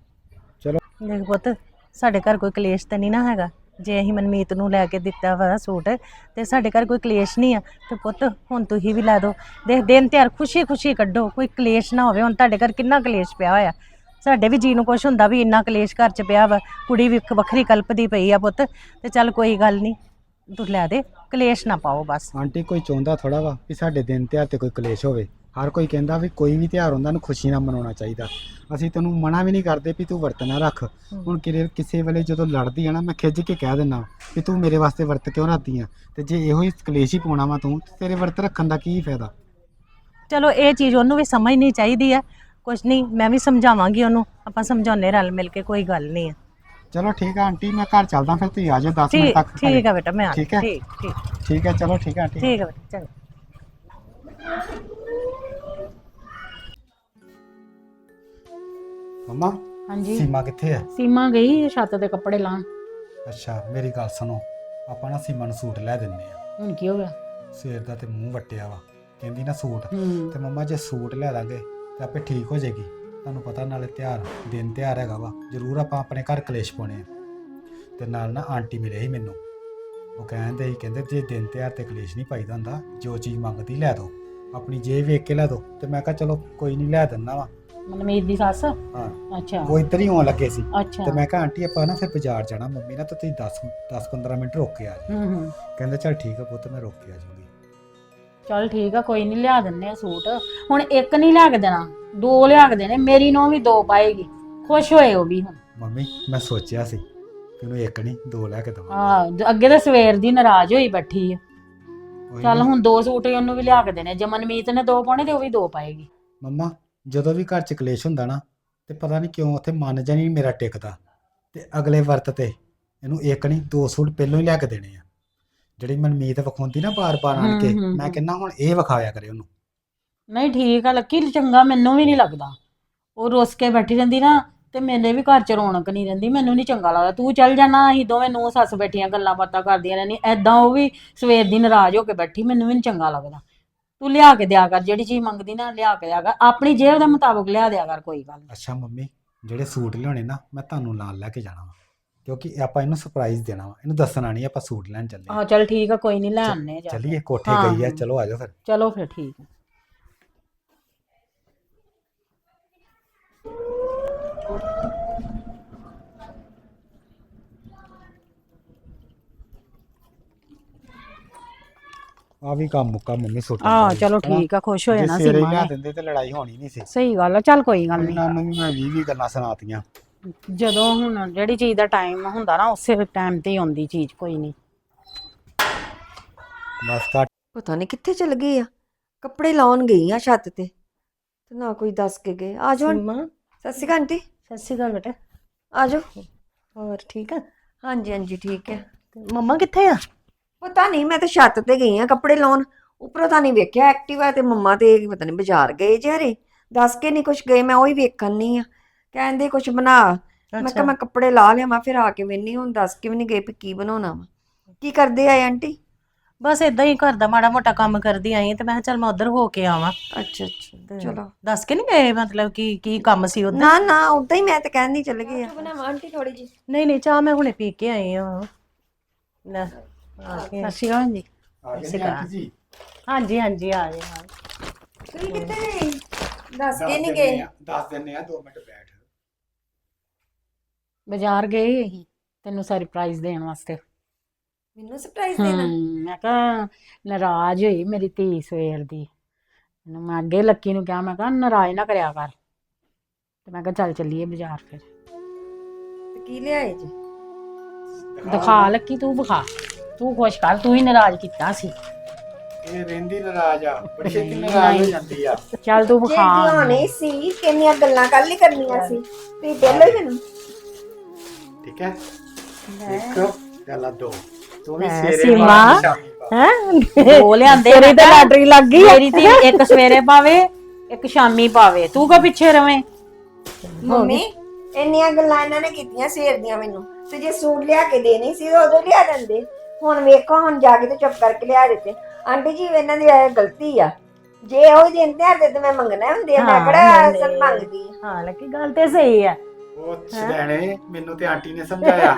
Speaker 2: ਚਲੋ
Speaker 3: ਦੇਖ ਪੁੱਤ, ਸਾਡੇ ਘਰ ਕੋਈ ਕਲੇਸ਼ ਤਾਂ ਨਹੀਂ ਨਾ ਹੈਗਾ। ਜੇ ਅਸੀਂ ਮਨਮੀਤ ਨੂੰ ਲੈ ਕੇ ਦਿੱਤਾ ਵਾ ਸੂਟ ਤੇ ਸਾਡੇ ਘਰ ਕੋਈ ਕਲੇਸ਼ ਨਹੀਂ ਆ। ਤੇ ਪੁੱਤ ਹੁਣ ਤੁਸੀਂ ਵੀ ਲੈ ਦਿਓ, ਦੇਖ ਦਿਨ ਤਿਉਹਾਰ ਖੁਸ਼ੀ ਖੁਸ਼ੀ ਕੱਢੋ, ਕੋਈ ਕਲੇਸ਼ ਨਾ ਹੋਵੇ। ਹੁਣ ਤੁਹਾਡੇ ਘਰ ਕਿੰਨਾ ਕਲੇਸ਼ ਪਿਆ ਹੋਇਆ, ਸਾਡੇ ਵੀ ਜੀ ਨੂੰ ਕੁਛ ਹੁੰਦਾ ਵੀ ਇੰਨਾ ਕਲੇਸ਼ ਘਰ 'ਚ ਪਿਆ ਵਾ, ਕੁੜੀ ਵੀ ਵੱਖਰੀ ਕਲਪਦੀ ਪਈ ਆ ਪੁੱਤ। ਤੇ ਚੱਲ ਕੋਈ ਗੱਲ ਨਹੀਂ, ਤੂੰ ਲੈ ਦੇ, ਕਲੇਸ਼ ਨਾ ਪਾਓ ਬਸ।
Speaker 2: ਆਂਟੀ ਕੋਈ ਚਾਹੁੰਦਾ ਥੋੜਾ ਵਾ ਵੀ ਸਾਡੇ ਦਿਨ ਤਿਉਹਾਰ ਤੇ ਕੋਈ ਕਲੇਸ਼ ਹੋਵੇ। ਹਰ ਕੋਈ ਕਹਿੰਦਾ ਵੀ ਕੋਈ ਵੀ ਤਿਉਹਾਰ ਹੁੰਦਾ ਨੂੰ ਖੁਸ਼ੀ ਨਾਲ ਮਨਾਉਣਾ ਚਾਹੀਦਾ। ਅਸੀਂ ਤੈਨੂੰ ਮਨਾ ਵੀ ਨਹੀਂ ਕਰਦੇ ਵੀ ਤੂੰ ਵਰਤ ਨਾ ਰੱਖ। ਹੁਣ ਕਿਸੇ ਵੇਲੇ ਜਦੋਂ ਲੜਦੀ ਆ ਨਾ, ਮੈਂ ਖਿੱਚ ਕੇ ਕਹਿ ਦਿੰਦਾ ਵੀ ਤੂੰ ਮੇਰੇ ਵਾਸਤੇ ਵਰਤ ਕਿਉਂ ਰੱਖਦੀ ਆ, ਤੇ ਜੇ ਇਹੋ ਹੀ ਕਲੇਸ਼ ਹੀ ਪਾਉਣਾ ਵਾ ਤੂੰ, ਤੇਰੇ ਵਰਤ ਰੱਖਣ ਦਾ ਕੀ ਫਾਇਦਾ?
Speaker 3: ਚਲੋ ਇਹ ਚੀਜ਼ ਉਹਨੂੰ ਵੀ ਸਮਝਣੀ ਚਾਹੀਦੀ ਆ। ਕੁਛ ਨਹੀਂ, ਮੈਂ ਵੀ ਸਮਝਾਵਾਂਗੀ ਉਹਨੂੰ, ਆਪਾਂ ਸਮਝਾਉਣੇ ਰਲ ਮਿਲ ਕੇ, ਕੋਈ ਗੱਲ ਨਹੀਂ ਆ।
Speaker 2: ਚਲੋ ਠੀਕ ਆ ਆਂਟੀ, ਮੈਂ ਘਰ ਚੱਲਦਾ, ਫਿਰ ਤੁਸੀਂ ਆ ਜਾਓ 10 ਮਿੰਟ
Speaker 3: ਠੀਕ
Speaker 2: ਤੱਕ।
Speaker 3: ਠੀਕ ਆ ਬੇਟਾ, ਮੈਂ ਆ
Speaker 2: ਠੀਕ ਹੈ?
Speaker 3: ਠੀਕ ਠੀਕ
Speaker 2: ਠੀਕ ਹੈ, ਚਲੋ ਠੀਕ ਹੈ ਆਂਟੀ।
Speaker 3: ਠੀਕ ਆ ਬੇਟਾ, ਚੰਗਾ।
Speaker 2: ਮੰਮਾ
Speaker 1: ਹਾਂਜੀ
Speaker 2: ਸੀਮਾ ਕਿੱਥੇ ਹੈ?
Speaker 1: ਸੀਮਾ ਗਈ ਛੱਤ ਤੇ ਕੱਪੜੇ ਲਾਉਣ।
Speaker 2: ਅੱਛਾ ਮੇਰੀ ਗੱਲ ਸੁਣੋ, ਆਪਾਂ ਨਾ ਸੀਮਾ ਨੂੰ ਸੂਟ ਲੈ ਦਿੰਨੇ ਆ।
Speaker 1: ਹੁਣ ਕੀ ਹੋ ਗਿਆ?
Speaker 2: ਸਵੇਰ ਦਾ ਤੇ ਮੂੰਹ ਵੱਟਿਆ ਵਾ, ਕਹਿੰਦੀ ਨਾ ਸੂਟ।
Speaker 1: ਹੂੰ
Speaker 2: ਤੇ ਮੰਮਾ ਜੇ ਸੂਟ ਲੈ ਦਾਂਗੇ ਤੇ ਆਪੇ ਠੀਕ ਹੋ ਜਾਏਗੀ। ਤੁਹਾਨੂੰ ਪਤਾ ਨਾਲੇ ਤਿਉਹਾਰ ਦਿਨ ਤਿਉਹਾਰ ਹੈਗਾ ਵਾ, ਜ਼ਰੂਰ ਆਪਾਂ ਆਪਣੇ ਘਰ ਕਲੇਸ਼ ਪਾਉਣੇ ਆ। ਤੇ ਨਾਲ ਨਾ ਆਂਟੀ ਮਿਲੇ ਸੀ ਮੈਨੂੰ, ਉਹ ਕਹਿੰਦੇ ਜੇ ਦਿਨ ਤਿਉਹਾਰ ਤੇ ਕਲੇਸ਼ ਨਹੀਂ ਪਾਈਦਾ ਹੁੰਦਾ, ਜੋ ਚੀਜ਼ ਮੰਗਦੀ ਲੈ ਦੋ, ਆਪਣੀ ਜੇਬ ਵੇਖ ਕੇ ਲੈ ਦੋ। ਤੇ ਮੈਂ ਕਿਹਾ ਚਲੋ ਕੋਈ ਨਹੀਂ ਲੈ ਦਿੰਦਾ ਵਾ।
Speaker 1: ਮਨਮੀਤ ਦੀ ਸੱਸ?
Speaker 2: ਹਾਂ
Speaker 1: ਅੱਛਾ
Speaker 2: ਉਹ ਇੱਧਰ ਹੀ ਆਉਣ ਲੱਗੇ ਸੀ।
Speaker 1: ਅੱਛਾ।
Speaker 2: ਤੇ ਮੈਂ ਕਿਹਾ ਆਂਟੀ ਆਪਾਂ ਨਾ ਫਿਰ ਬਾਜ਼ਾਰ ਜਾਣਾ ਮੰਮੀ ਨਾਲ, ਤਾਂ ਤੁਸੀਂ 10-15 ਮਿੰਟ ਰੁਕ ਕੇ ਆ ਜਾਓ।
Speaker 1: ਹੂੰ
Speaker 2: ਕਹਿੰਦੇ ਚੱਲ ਠੀਕ ਆ ਪੁੱਤ, ਮੈਂ ਰੁਕ ਕੇ ਆ ਜਾਊਂਗੀ।
Speaker 1: ਚੱਲ ਠੀਕ ਆ, ਕੋਈ ਨਹੀਂ ਲਿਆ ਦਿੰਨੇ ਆ ਸੂਟ। ਹੁਣ ਇੱਕ ਨਹੀਂ ਲਿਆ ਕੇ ਦੇਣਾ, 2 ਲਿਆ ਕੇ ਦੇਣੇ। ਮੇਰੀ ਨੂੰ ਵੀ 2 ਪਾਏਗੀ, ਖੁਸ਼ ਹੋਏ ਉਹ ਵੀ। ਹੁਣ
Speaker 2: ਮੰਮੀ ਮੈਂ ਸੋਚਿਆ ਸੀ ਕਿ ਉਹਨੂੰ ਇੱਕ ਨਹੀਂ 2 ਲੈ ਕੇ ਦਵਾਂ।
Speaker 1: ਅੱਗੇ ਤਾਂ ਸਵੇਰ ਦੀ ਨਾਰਾਜ਼ ਹੋਈ ਬੈਠੀ ਆ।
Speaker 2: ਉਹੀ
Speaker 1: ਚੱਲ
Speaker 2: ਨਾ।
Speaker 1: ਹੁਣ 2 ਸੂਟ ਹੀ ਉਹਨੂੰ ਵੀ ਲਿਆ ਕੇ ਦੇਣੇ, ਜੇ ਮਨਮੀਤ ਨੇ 2 ਪਾਉਣੇ ਤੇ ਉਹ ਵੀ 2 ਪਾਏਗੀ।
Speaker 2: ਮੰਮਾ ਜਦੋਂ ਵੀ ਘਰ 'ਚ ਕਲੇਸ਼ ਹੁੰਦਾ ਨਾ ਤੇ ਪਤਾ ਨਹੀਂ ਕਿਉਂ ਉੱਥੇ ਮਨ ਜਾਂ ਨਹੀਂ ਮੇਰਾ ਟਿਕਦਾ, ਤੇ ਅਗਲੇ ਵਰਤ ਤੇ ਇਹਨੂੰ ਇੱਕ ਨਹੀਂ 2 ਸੂਟ ਪਹਿਲਾਂ ਹੀ ਲਿਆ ਕੇ ਦੇਣੇ ਆ। ਜਿਹੜੀ ਮਨਮੀਤ ਵਿਖਾਉਂਦੀ ਨਾ ਬਾਰ-ਬਾਰ ਆਣ ਕੇ, ਮੈਂ ਕਹਿੰਦਾ ਹੁਣ ਇਹ ਵਿਖਾਇਆ ਕਰੇ ਉਹਨੂੰ।
Speaker 1: ਨਹੀਂ ਠੀਕ ਆ ਲੱਕੀ, ਚੰਗਾ ਮੈਨੂੰ ਵੀ ਨਹੀਂ ਲੱਗਦਾ। ਉਹ ਰੁੱਸ ਕੇ ਬੈਠੀ ਰਹਿੰਦੀ ਨਾ ਤੇ ਮੇਰੇ ਵੀ ਘਰ 'ਚ ਰੌਣਕ ਨਹੀਂ ਰਹਿੰਦੀ, ਮੈਨੂੰ ਨਹੀਂ ਚੰਗਾ ਲੱਗਦਾ। ਤੂੰ ਚੱਲ ਜਾਣਾ, ਅਸੀਂ ਦੋਵੇਂ ਨੂੰਹ ਸੱਸ ਬੈਠੀਆਂ ਗੱਲਾਂ ਬਾਤਾਂ ਕਰਦੀਆਂ ਰਹਿੰਦੀਆਂ, ਐਦਾਂ ਉਹ ਵੀ ਸਵੇਰ ਦੀ ਨਾਰਾਜ਼ ਹੋ ਕੇ ਬੈਠੀ, ਮੈਨੂੰ ਵੀ ਨਹੀਂ ਚੰਗਾ ਲੱਗਦਾ। ਤੂੰ ਲਿਆ ਕੇ ਦਿਆ ਕਰ, ਜਿਹੜੀ ਚੀਜ਼ ਮੰਗਦੀ ਨਾ ਲਿਆ ਕੇ ਦਿਆ ਕਰ, ਆਪਣੀ ਜੇਬ ਦੇ ਮੁਤਾਬਕ ਲਿਆ ਦਿਆ ਕਰ, ਕੋਈ ਗੱਲ ਨਹੀਂ।
Speaker 2: ਅੱਛਾ ਮੰਮੀ, ਜਿਹੜੇ ਸੂਟ ਲਿਆਉਣੇ ਨਾ ਮੈਂ ਤੁਹਾਨੂੰ ਨਾਲ ਲੈ ਕੇ ਜਾਣਾ ਵਾ, ਕਿਉਂਕਿ ਆਪਾਂ ਇਹਨੂੰ ਸਰਪ੍ਰਾਈਜ਼ ਦੇਣਾ ਵਾ, ਇਹਨੂੰ ਦੱਸਣਾ ਨਹੀਂ ਆਪਾਂ ਸੂਟ ਲੈਣ ਚੱਲੇ
Speaker 1: ਆਹ ਚੱਲ ਠੀਕ ਆ, ਕੋਈ ਨਹੀਂ ਲੈ ਆਨੇ ਜਾ।
Speaker 2: ਚੱਲੀਏ ਕੋਠੇ
Speaker 1: ਹਾਂ,
Speaker 2: ਗਈ ਆ,
Speaker 1: ਹਾਂ।
Speaker 2: ਚਲੋ ਆਜੋ ਫਿਰ।
Speaker 1: ਚਲੋ ਫਿਰ ਠੀਕ ਆ।
Speaker 2: ਆ ਵੀ ਕੰਮ ਮੁੱਕਾ ਮੰਮੀ ਸੂਟ
Speaker 1: ਆਹ ਚਲੋ ਠੀਕ ਆ, ਖੁਸ਼ ਹੋ ਜਾਣਾ
Speaker 2: ਸਵੇਰੇ
Speaker 1: ਸੀਮਾ
Speaker 2: ਲਿਆ
Speaker 1: ਨੇ।
Speaker 2: ਦਿੰਦੇ ਤੇ ਲੜਾਈ ਹੋਣੀ ਨਹੀਂ ਸੀ।
Speaker 1: ਸਹੀ ਗੱਲ ਆ, ਚੱਲ ਕੋਈ ਗੱਲ ਨਹੀਂ।
Speaker 2: ਇਹਨਾਂ ਨੂੰ ਵੀ ਮੈਂ 20 ਗੱਲਾਂ ਸੁਣਾਤੀਆਂ।
Speaker 1: ਜਦੋਂ ਹੁਣ ਜਿਹੜੀ ਚੀਜ਼ ਦਾ ਟਾਈਮ ਹੁੰਦਾ ਨਾ ਉਸੇ ਟਾਈਮ ਤੇ ਹੀ ਆਉਂਦੀ ਚੀਜ਼, ਕੋਈ ਨਹੀਂ।
Speaker 2: ਬਸ ਘੱਟ
Speaker 5: ਪਤਾ ਨਹੀਂ ਕਿੱਥੇ ਚਲ ਗਏ ਆ। ਕੱਪੜੇ ਲਾਉਣ ਗਈ ਆ ਛੱਤ ਤੇ ਨਾ ਕੋਈ ਦੱਸ ਕੇ ਗਏ। ਆ ਜਾਓ
Speaker 3: ਸੀਮਾ,
Speaker 5: ਸਤਿ ਸ਼੍ਰੀ ਅਕਾਲ ਆਂਟੀ।
Speaker 3: ਸਤਿ ਸ਼੍ਰੀ ਅਕਾਲ ਬੇਟਾ।
Speaker 5: ਆ ਜਾਓ।
Speaker 3: ਹੋਰ ਠੀਕ ਆ?
Speaker 5: ਹਾਂਜੀ ਹਾਂਜੀ ਠੀਕ ਹੈ।
Speaker 3: ਤੇ ਮੰਮਾ ਕਿੱਥੇ ਆ?
Speaker 5: ਪਤਾ ਨਹੀਂ, ਮੈਂ ਤਾਂ ਛੱਤ ਤੇ ਗਈ ਆ ਕੱਪੜੇ ਲਾਉਣ। ਉੱਪਰੋਂ ਤਾਂ ਨਹੀਂ ਵੇਖਿਆ ਐਕਟਿਵਾ ਤੇ ਮੰਮਾ ਤੇ ਪਤਾ ਨਹੀਂ ਬਾਜ਼ਾਰ ਗਏ ਜਿਹੜੇ, ਦੱਸ ਕੇ ਨਹੀਂ ਕੁਛ ਗਏ। ਮੈਂ ਉਹੀ ਵੇਖਣ ਨਹੀਂ ਆ, ਕਹਿੰਦੇ ਕੁਛ ਬਣਾ। ਮੈਂ ਕਿਹਾ ਮੈਂ ਕੱਪੜੇ ਲਾ ਲਿਆ, ਫਿਰ ਆ ਕੇ ਵੇਨੀ। ਹੁਣ ਦੱਸ ਕੇ ਵੀ ਨਹੀਂ ਗਏ ਵੀ ਕੀ ਬਣਾਉਣਾ ਵਾ। ਕੀ ਕਰਦੇ ਆਏ ਆਂਟੀ?
Speaker 3: ਬਸ ਇਦਾਂ ਹੀ ਘਰ ਦਾ ਮਾੜਾ ਮੋਟਾ ਕੰਮ ਕਰਦੀ ਆਈ ਤੇ ਮੈਂ ਕਿਹਾ ਚੱਲ ਮੈਂ ਉਧਰ ਹੋ ਕੇ ਆਵਾਂ।
Speaker 5: ਅੱਛਾ ਅੱਛਾ ਚਲੋ।
Speaker 3: ਦੱਸ ਕੇ ਨਹੀਂ ਗਏ ਮਤਲਬ ਕੀ ਕੰਮ ਸੀ ਉਧਰ?
Speaker 5: ਨਾ ਨਾ ਉਦਾਂ ਹੀ ਮੈਂ ਤਾਂ ਕਹਿੰਦੀ ਚੱਲ ਗਏ ਆ। ਬਣਾਵਾਂ ਆਂਟੀ ਥੋੜੀ ਜੀ?
Speaker 3: ਨਹੀਂ ਨਹੀਂ, ਚਾਹ ਮੈਂ ਹੁਣੇ ਪੀ ਕੇ ਆਈ ਹਾਂ। ਲੈ ਆ ਕੇ।
Speaker 1: ਸਤਿ ਸ਼੍ਰੀ ਅਕਾਲ ਜੀ।
Speaker 2: ਆ ਗਏ ਨੇ ਆਂਟੀ ਜੀ।
Speaker 3: ਹਾਂਜੀ ਹਾਂਜੀ ਆ ਗਏ ਹਾਂ।
Speaker 5: ਤੁਸੀਂ ਕਿੱਥੇ ਗਏ? ਦੱਸ ਕੇ ਨਹੀਂ ਗਏ?
Speaker 2: ਦੱਸ ਦਿੰਨੇ ਆ, 2 ਮਿੰਟ ਬੈਠ।
Speaker 1: ਬਾਜ਼ਾਰ ਗਏ ਅਸੀਂ ਤੈਨੂੰ ਸਰਪ੍ਰਾਈਜ਼ ਦੇਣ ਵਾਸਤੇ।
Speaker 5: ਮੈਨੂੰ ਸਰਪ੍ਰਾਈਜ਼ ਦੇਣਾ?
Speaker 1: ਮੈਂ ਕਿਹਾ ਨਾਰਾਜ਼ ਹੋਈ ਮੇਰੀ ਧੀ ਸਵੇਰ ਦੀ। ਇਹਨੂੰ ਮੈਂ ਅੱਗੇ ਲੱਕੀ ਨੂੰ ਕਿਹਾ, ਮੈਂ ਕਿਹਾ ਨਾਰਾਜ਼ ਨਾ ਕਰਿਆ ਕਰ, ਤੇ ਮੈਂ ਕਿਹਾ ਚੱਲ ਚੱਲੀਏ ਬਾਜ਼ਾਰ। ਫਿਰ
Speaker 5: ਤੇ ਕੀ ਲਿਆਏ ਜੀ?
Speaker 1: ਦਿਖਾ ਲੱਕੀ, ਤੂੰ ਵਿਖਾ, ਤੂੰ ਖੁਸ਼ ਕਰ, ਤੂੰ ਹੀ ਨਾਰਾਜ਼ ਕੀਤਾ ਸੀ।
Speaker 2: ਇਹ ਰਹਿੰਦੀ ਨਾਰਾਜ਼ ਆ, ਬੜੀ ਛੇਤੀ ਨਾਰਾਜ਼ ਹੋ ਜਾਂਦੀ ਆ।
Speaker 1: ਚੱਲ ਤੂੰ
Speaker 5: ਜੇ
Speaker 1: ਵਿਖਾ।
Speaker 5: ਦਿਵਾਣੇ ਸੀ ਕਿੰਨੀਆਂ ਗੱਲਾਂ ਕੱਲ ਹੀ ਕਰਨੀਆਂ ਸੀ, ਤੁਸੀਂ ਪਹਿਲਾਂ ਹੀ ਮੈਨੂੰ।
Speaker 2: ਠੀਕ ਹੈ, ਇੱਕ ਗੱਲਾਂ 2 ਤੂੰ ਵੀ
Speaker 1: ਲੈ
Speaker 2: ਸਵੇਰੇ
Speaker 1: ਸੀਮਾ।
Speaker 2: ਪਾ, ਸ਼ਾਮੀ ਪਾ।
Speaker 3: ਹੈ
Speaker 1: ਦੋ ਲਿਆਂਦੇ,
Speaker 3: ਤੇਰੀ ਤਾਂ ਲਾਟਰੀ ਲੱਗ ਗਈ ਆ।
Speaker 1: ਮੇਰੀ ਧੀ ਇੱਕ ਸਵੇਰੇ ਪਾਵੇ ਇੱਕ ਸ਼ਾਮੀ ਪਾਵੇ, ਤੂੰ ਕੋ ਪਿੱਛੇ ਰਵੇਂ।
Speaker 5: ਮੰਮੀ ਇੰਨੀਆਂ ਗੱਲਾਂ ਇਹਨਾਂ ਨੇ ਕੀਤੀਆਂ ਸਵੇਰ ਦੀਆਂ ਮੈਨੂੰ, ਤੇ ਜੇ ਸੂਟ ਲਿਆ ਕੇ ਦੇਣੀ ਸੀ ਤਾਂ ਉਦੋਂ ਲਿਆ ਦਿੰਦੇ। ਹੁਣ ਵੇਖੋ, ਹੁਣ ਜਾ ਕੇ ਤੇ ਚੁੱਪ ਕਰਕੇ ਲਿਆ ਦਿੱਤੇ। ਆਂਟੀ ਜੀ ਇਹਨਾਂ ਦੀ ਇਹ ਗਲਤੀ ਆ, ਜੇ ਉਹ ਦਿਨ ਤਿਉਹਾਰ ਦੇ ਤੇ ਮੈਂ ਮੰਗਣਾ ਹੁੰਦੇ ਆ, ਮੈਂ ਕਿਹੜਾ ਅਸਲ ਮੰਗਦੀ ਆ।
Speaker 3: ਹਾਂ ਲੱਕੀ, ਗੱਲ ਤੇ ਸਹੀ ਆ।
Speaker 2: ਉਹ ਛੜੈਣੇ, ਮੈਨੂੰ ਤੇ ਆਂਟੀ ਨੇ ਸਮਝਾਇਆ।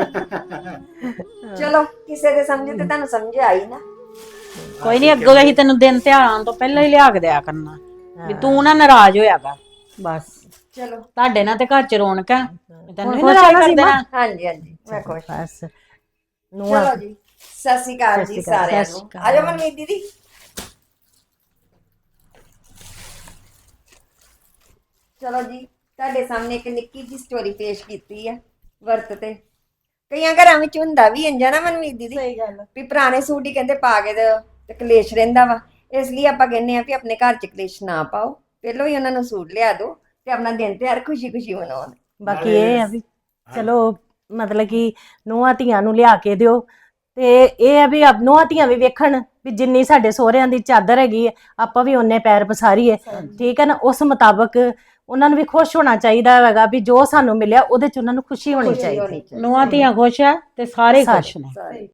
Speaker 5: ਚਲੋ ਕਿਸੇ ਦੇ ਸਮਝੇ ਤੇ ਤੁਹਾਨੂੰ ਸਮਝ ਆਈ ਨਾ।
Speaker 1: ਕੋਈ ਨਹੀਂ, ਅੱਗੋਂ ਅਸੀਂ ਤੈਨੂੰ ਦਿਨ ਤਿਉਹਾਰ ਆਉਣ ਤੋਂ ਪਹਿਲਾਂ ਹੀ ਲਿਆ ਕੇ ਦਿਆ ਕਰਨਾ, ਵੀ ਤੂੰ ਨਾ ਨਾਰਾਜ਼ ਹੋਇਆ ਕਰ। ਬਸ
Speaker 5: ਚਲੋ
Speaker 1: ਤੁਹਾਡੇ ਨਾਲ ਤੇ ਘਰ ਚ ਰੌਣਕ ਹੈ, ਤੈਨੂੰ
Speaker 3: ਹੁਣ
Speaker 1: ਖੁਸ਼
Speaker 3: ਖੁਸ਼
Speaker 1: ਕਰ
Speaker 3: ਸੀ
Speaker 1: ਦੇਣਾ।
Speaker 5: ਹਾਂਜੀ ਹਾਂਜੀ ਮੈਂ ਖੁਸ਼।
Speaker 3: ਬਸ
Speaker 5: ਚਲੋ ਜੀ, ਸਤਿ ਸ਼੍ਰੀ ਅਕਾਲ ਜੀ ਸਾਰਿਆਂ
Speaker 1: ਸਤਿ ਸ਼੍ਰੀ
Speaker 5: ਨੂੰ।
Speaker 1: ਅਕਾਲ।
Speaker 5: ਆ ਜਾਓ ਮਨਮੀਤ ਦੀਦੀ। ਚਲੋ ਜੀ, ਤੁਹਾਡੇ ਸਾਹਮਣੇ ਇੱਕ ਨਿੱਕੀ ਜੀ ਸਟੋਰੀ ਪੇਸ਼ ਕੀਤੀ ਹੈ ਵਰਤ ਤੇ। ਕਈਆਂ ਘਰਾਂ ਵਿੱਚ ਹੁੰਦਾ ਵੀ ਇੰਜ ਨਾ ਮਨਮੀਤ ਦੀਦੀ,
Speaker 3: ਸਹੀ ਗੱਲ
Speaker 5: ਵੀ ਪੁਰਾਣੇ ਸੂਟ ਹੀ ਕਹਿੰਦੇ ਪਾ ਕੇ ਤੇ ਕਲੇਸ਼ ਰਹਿੰਦਾ ਵਾ। ਇਸ ਲਈ ਆਪਾਂ ਕਹਿੰਦੇ ਆ ਵੀ ਆਪਣੇ ਘਰ 'ਚ ਕਲੇਸ਼ ਨਾ ਪਾਓ, ਪਹਿਲਾਂ ਹੀ ਉਹਨਾਂ ਨੂੰ ਸੂਟ ਲਿਆ ਦਿਓ ਤੇ ਆਪਣਾ ਦਿਨ ਤਿਉਹਾਰ ਖੁਸ਼ੀ ਖੁਸ਼ੀ ਮਨਾਉਣ।
Speaker 3: ਬਾਕੀ ਇਹ ਆ ਵੀ ਚਲੋ ਮਤਲਬ ਕਿ ਨੂੰਹਾਂ ਧੀਆਂ ਨੂੰ ਲਿਆ ਕੇ ਦਿਓ, ਤੇ ਇਹ ਆ ਵੀ ਨੂੰਹਾਂ ਧੀਆਂ ਵੀ ਵੇਖਣ ਵੀ ਜਿੰਨੀ ਸਾਡੇ ਸਹੁਰਿਆਂ ਦੀ ਚਾਦਰ ਹੈਗੀ ਹੈ ਆਪਾਂ ਵੀ ਓਨੇ ਪੈਰ ਪਸਾਰੀਏ। ਠੀਕ ਹੈ ਨਾ, ਉਸ ਮੁਤਾਬਕ ਉਹਨਾਂ ਨੂੰ ਵੀ ਖੁਸ਼ ਹੋਣਾ ਚਾਹੀਦਾ ਹੈਗਾ ਵੀ ਜੋ ਸਾਨੂੰ ਮਿਲਿਆ ਉਹਦੇ 'ਚ ਉਹਨਾਂ ਨੂੰ ਖੁਸ਼ੀ ਹੋਣੀ ਚਾਹੀਦੀ।
Speaker 1: ਨੂੰਹਾਂ ਧੀਆਂ ਖੁਸ਼ ਆ ਤੇ ਸਾਰੇ ਖੁਸ਼ ਨੇ।
Speaker 5: ਸਾਰੇ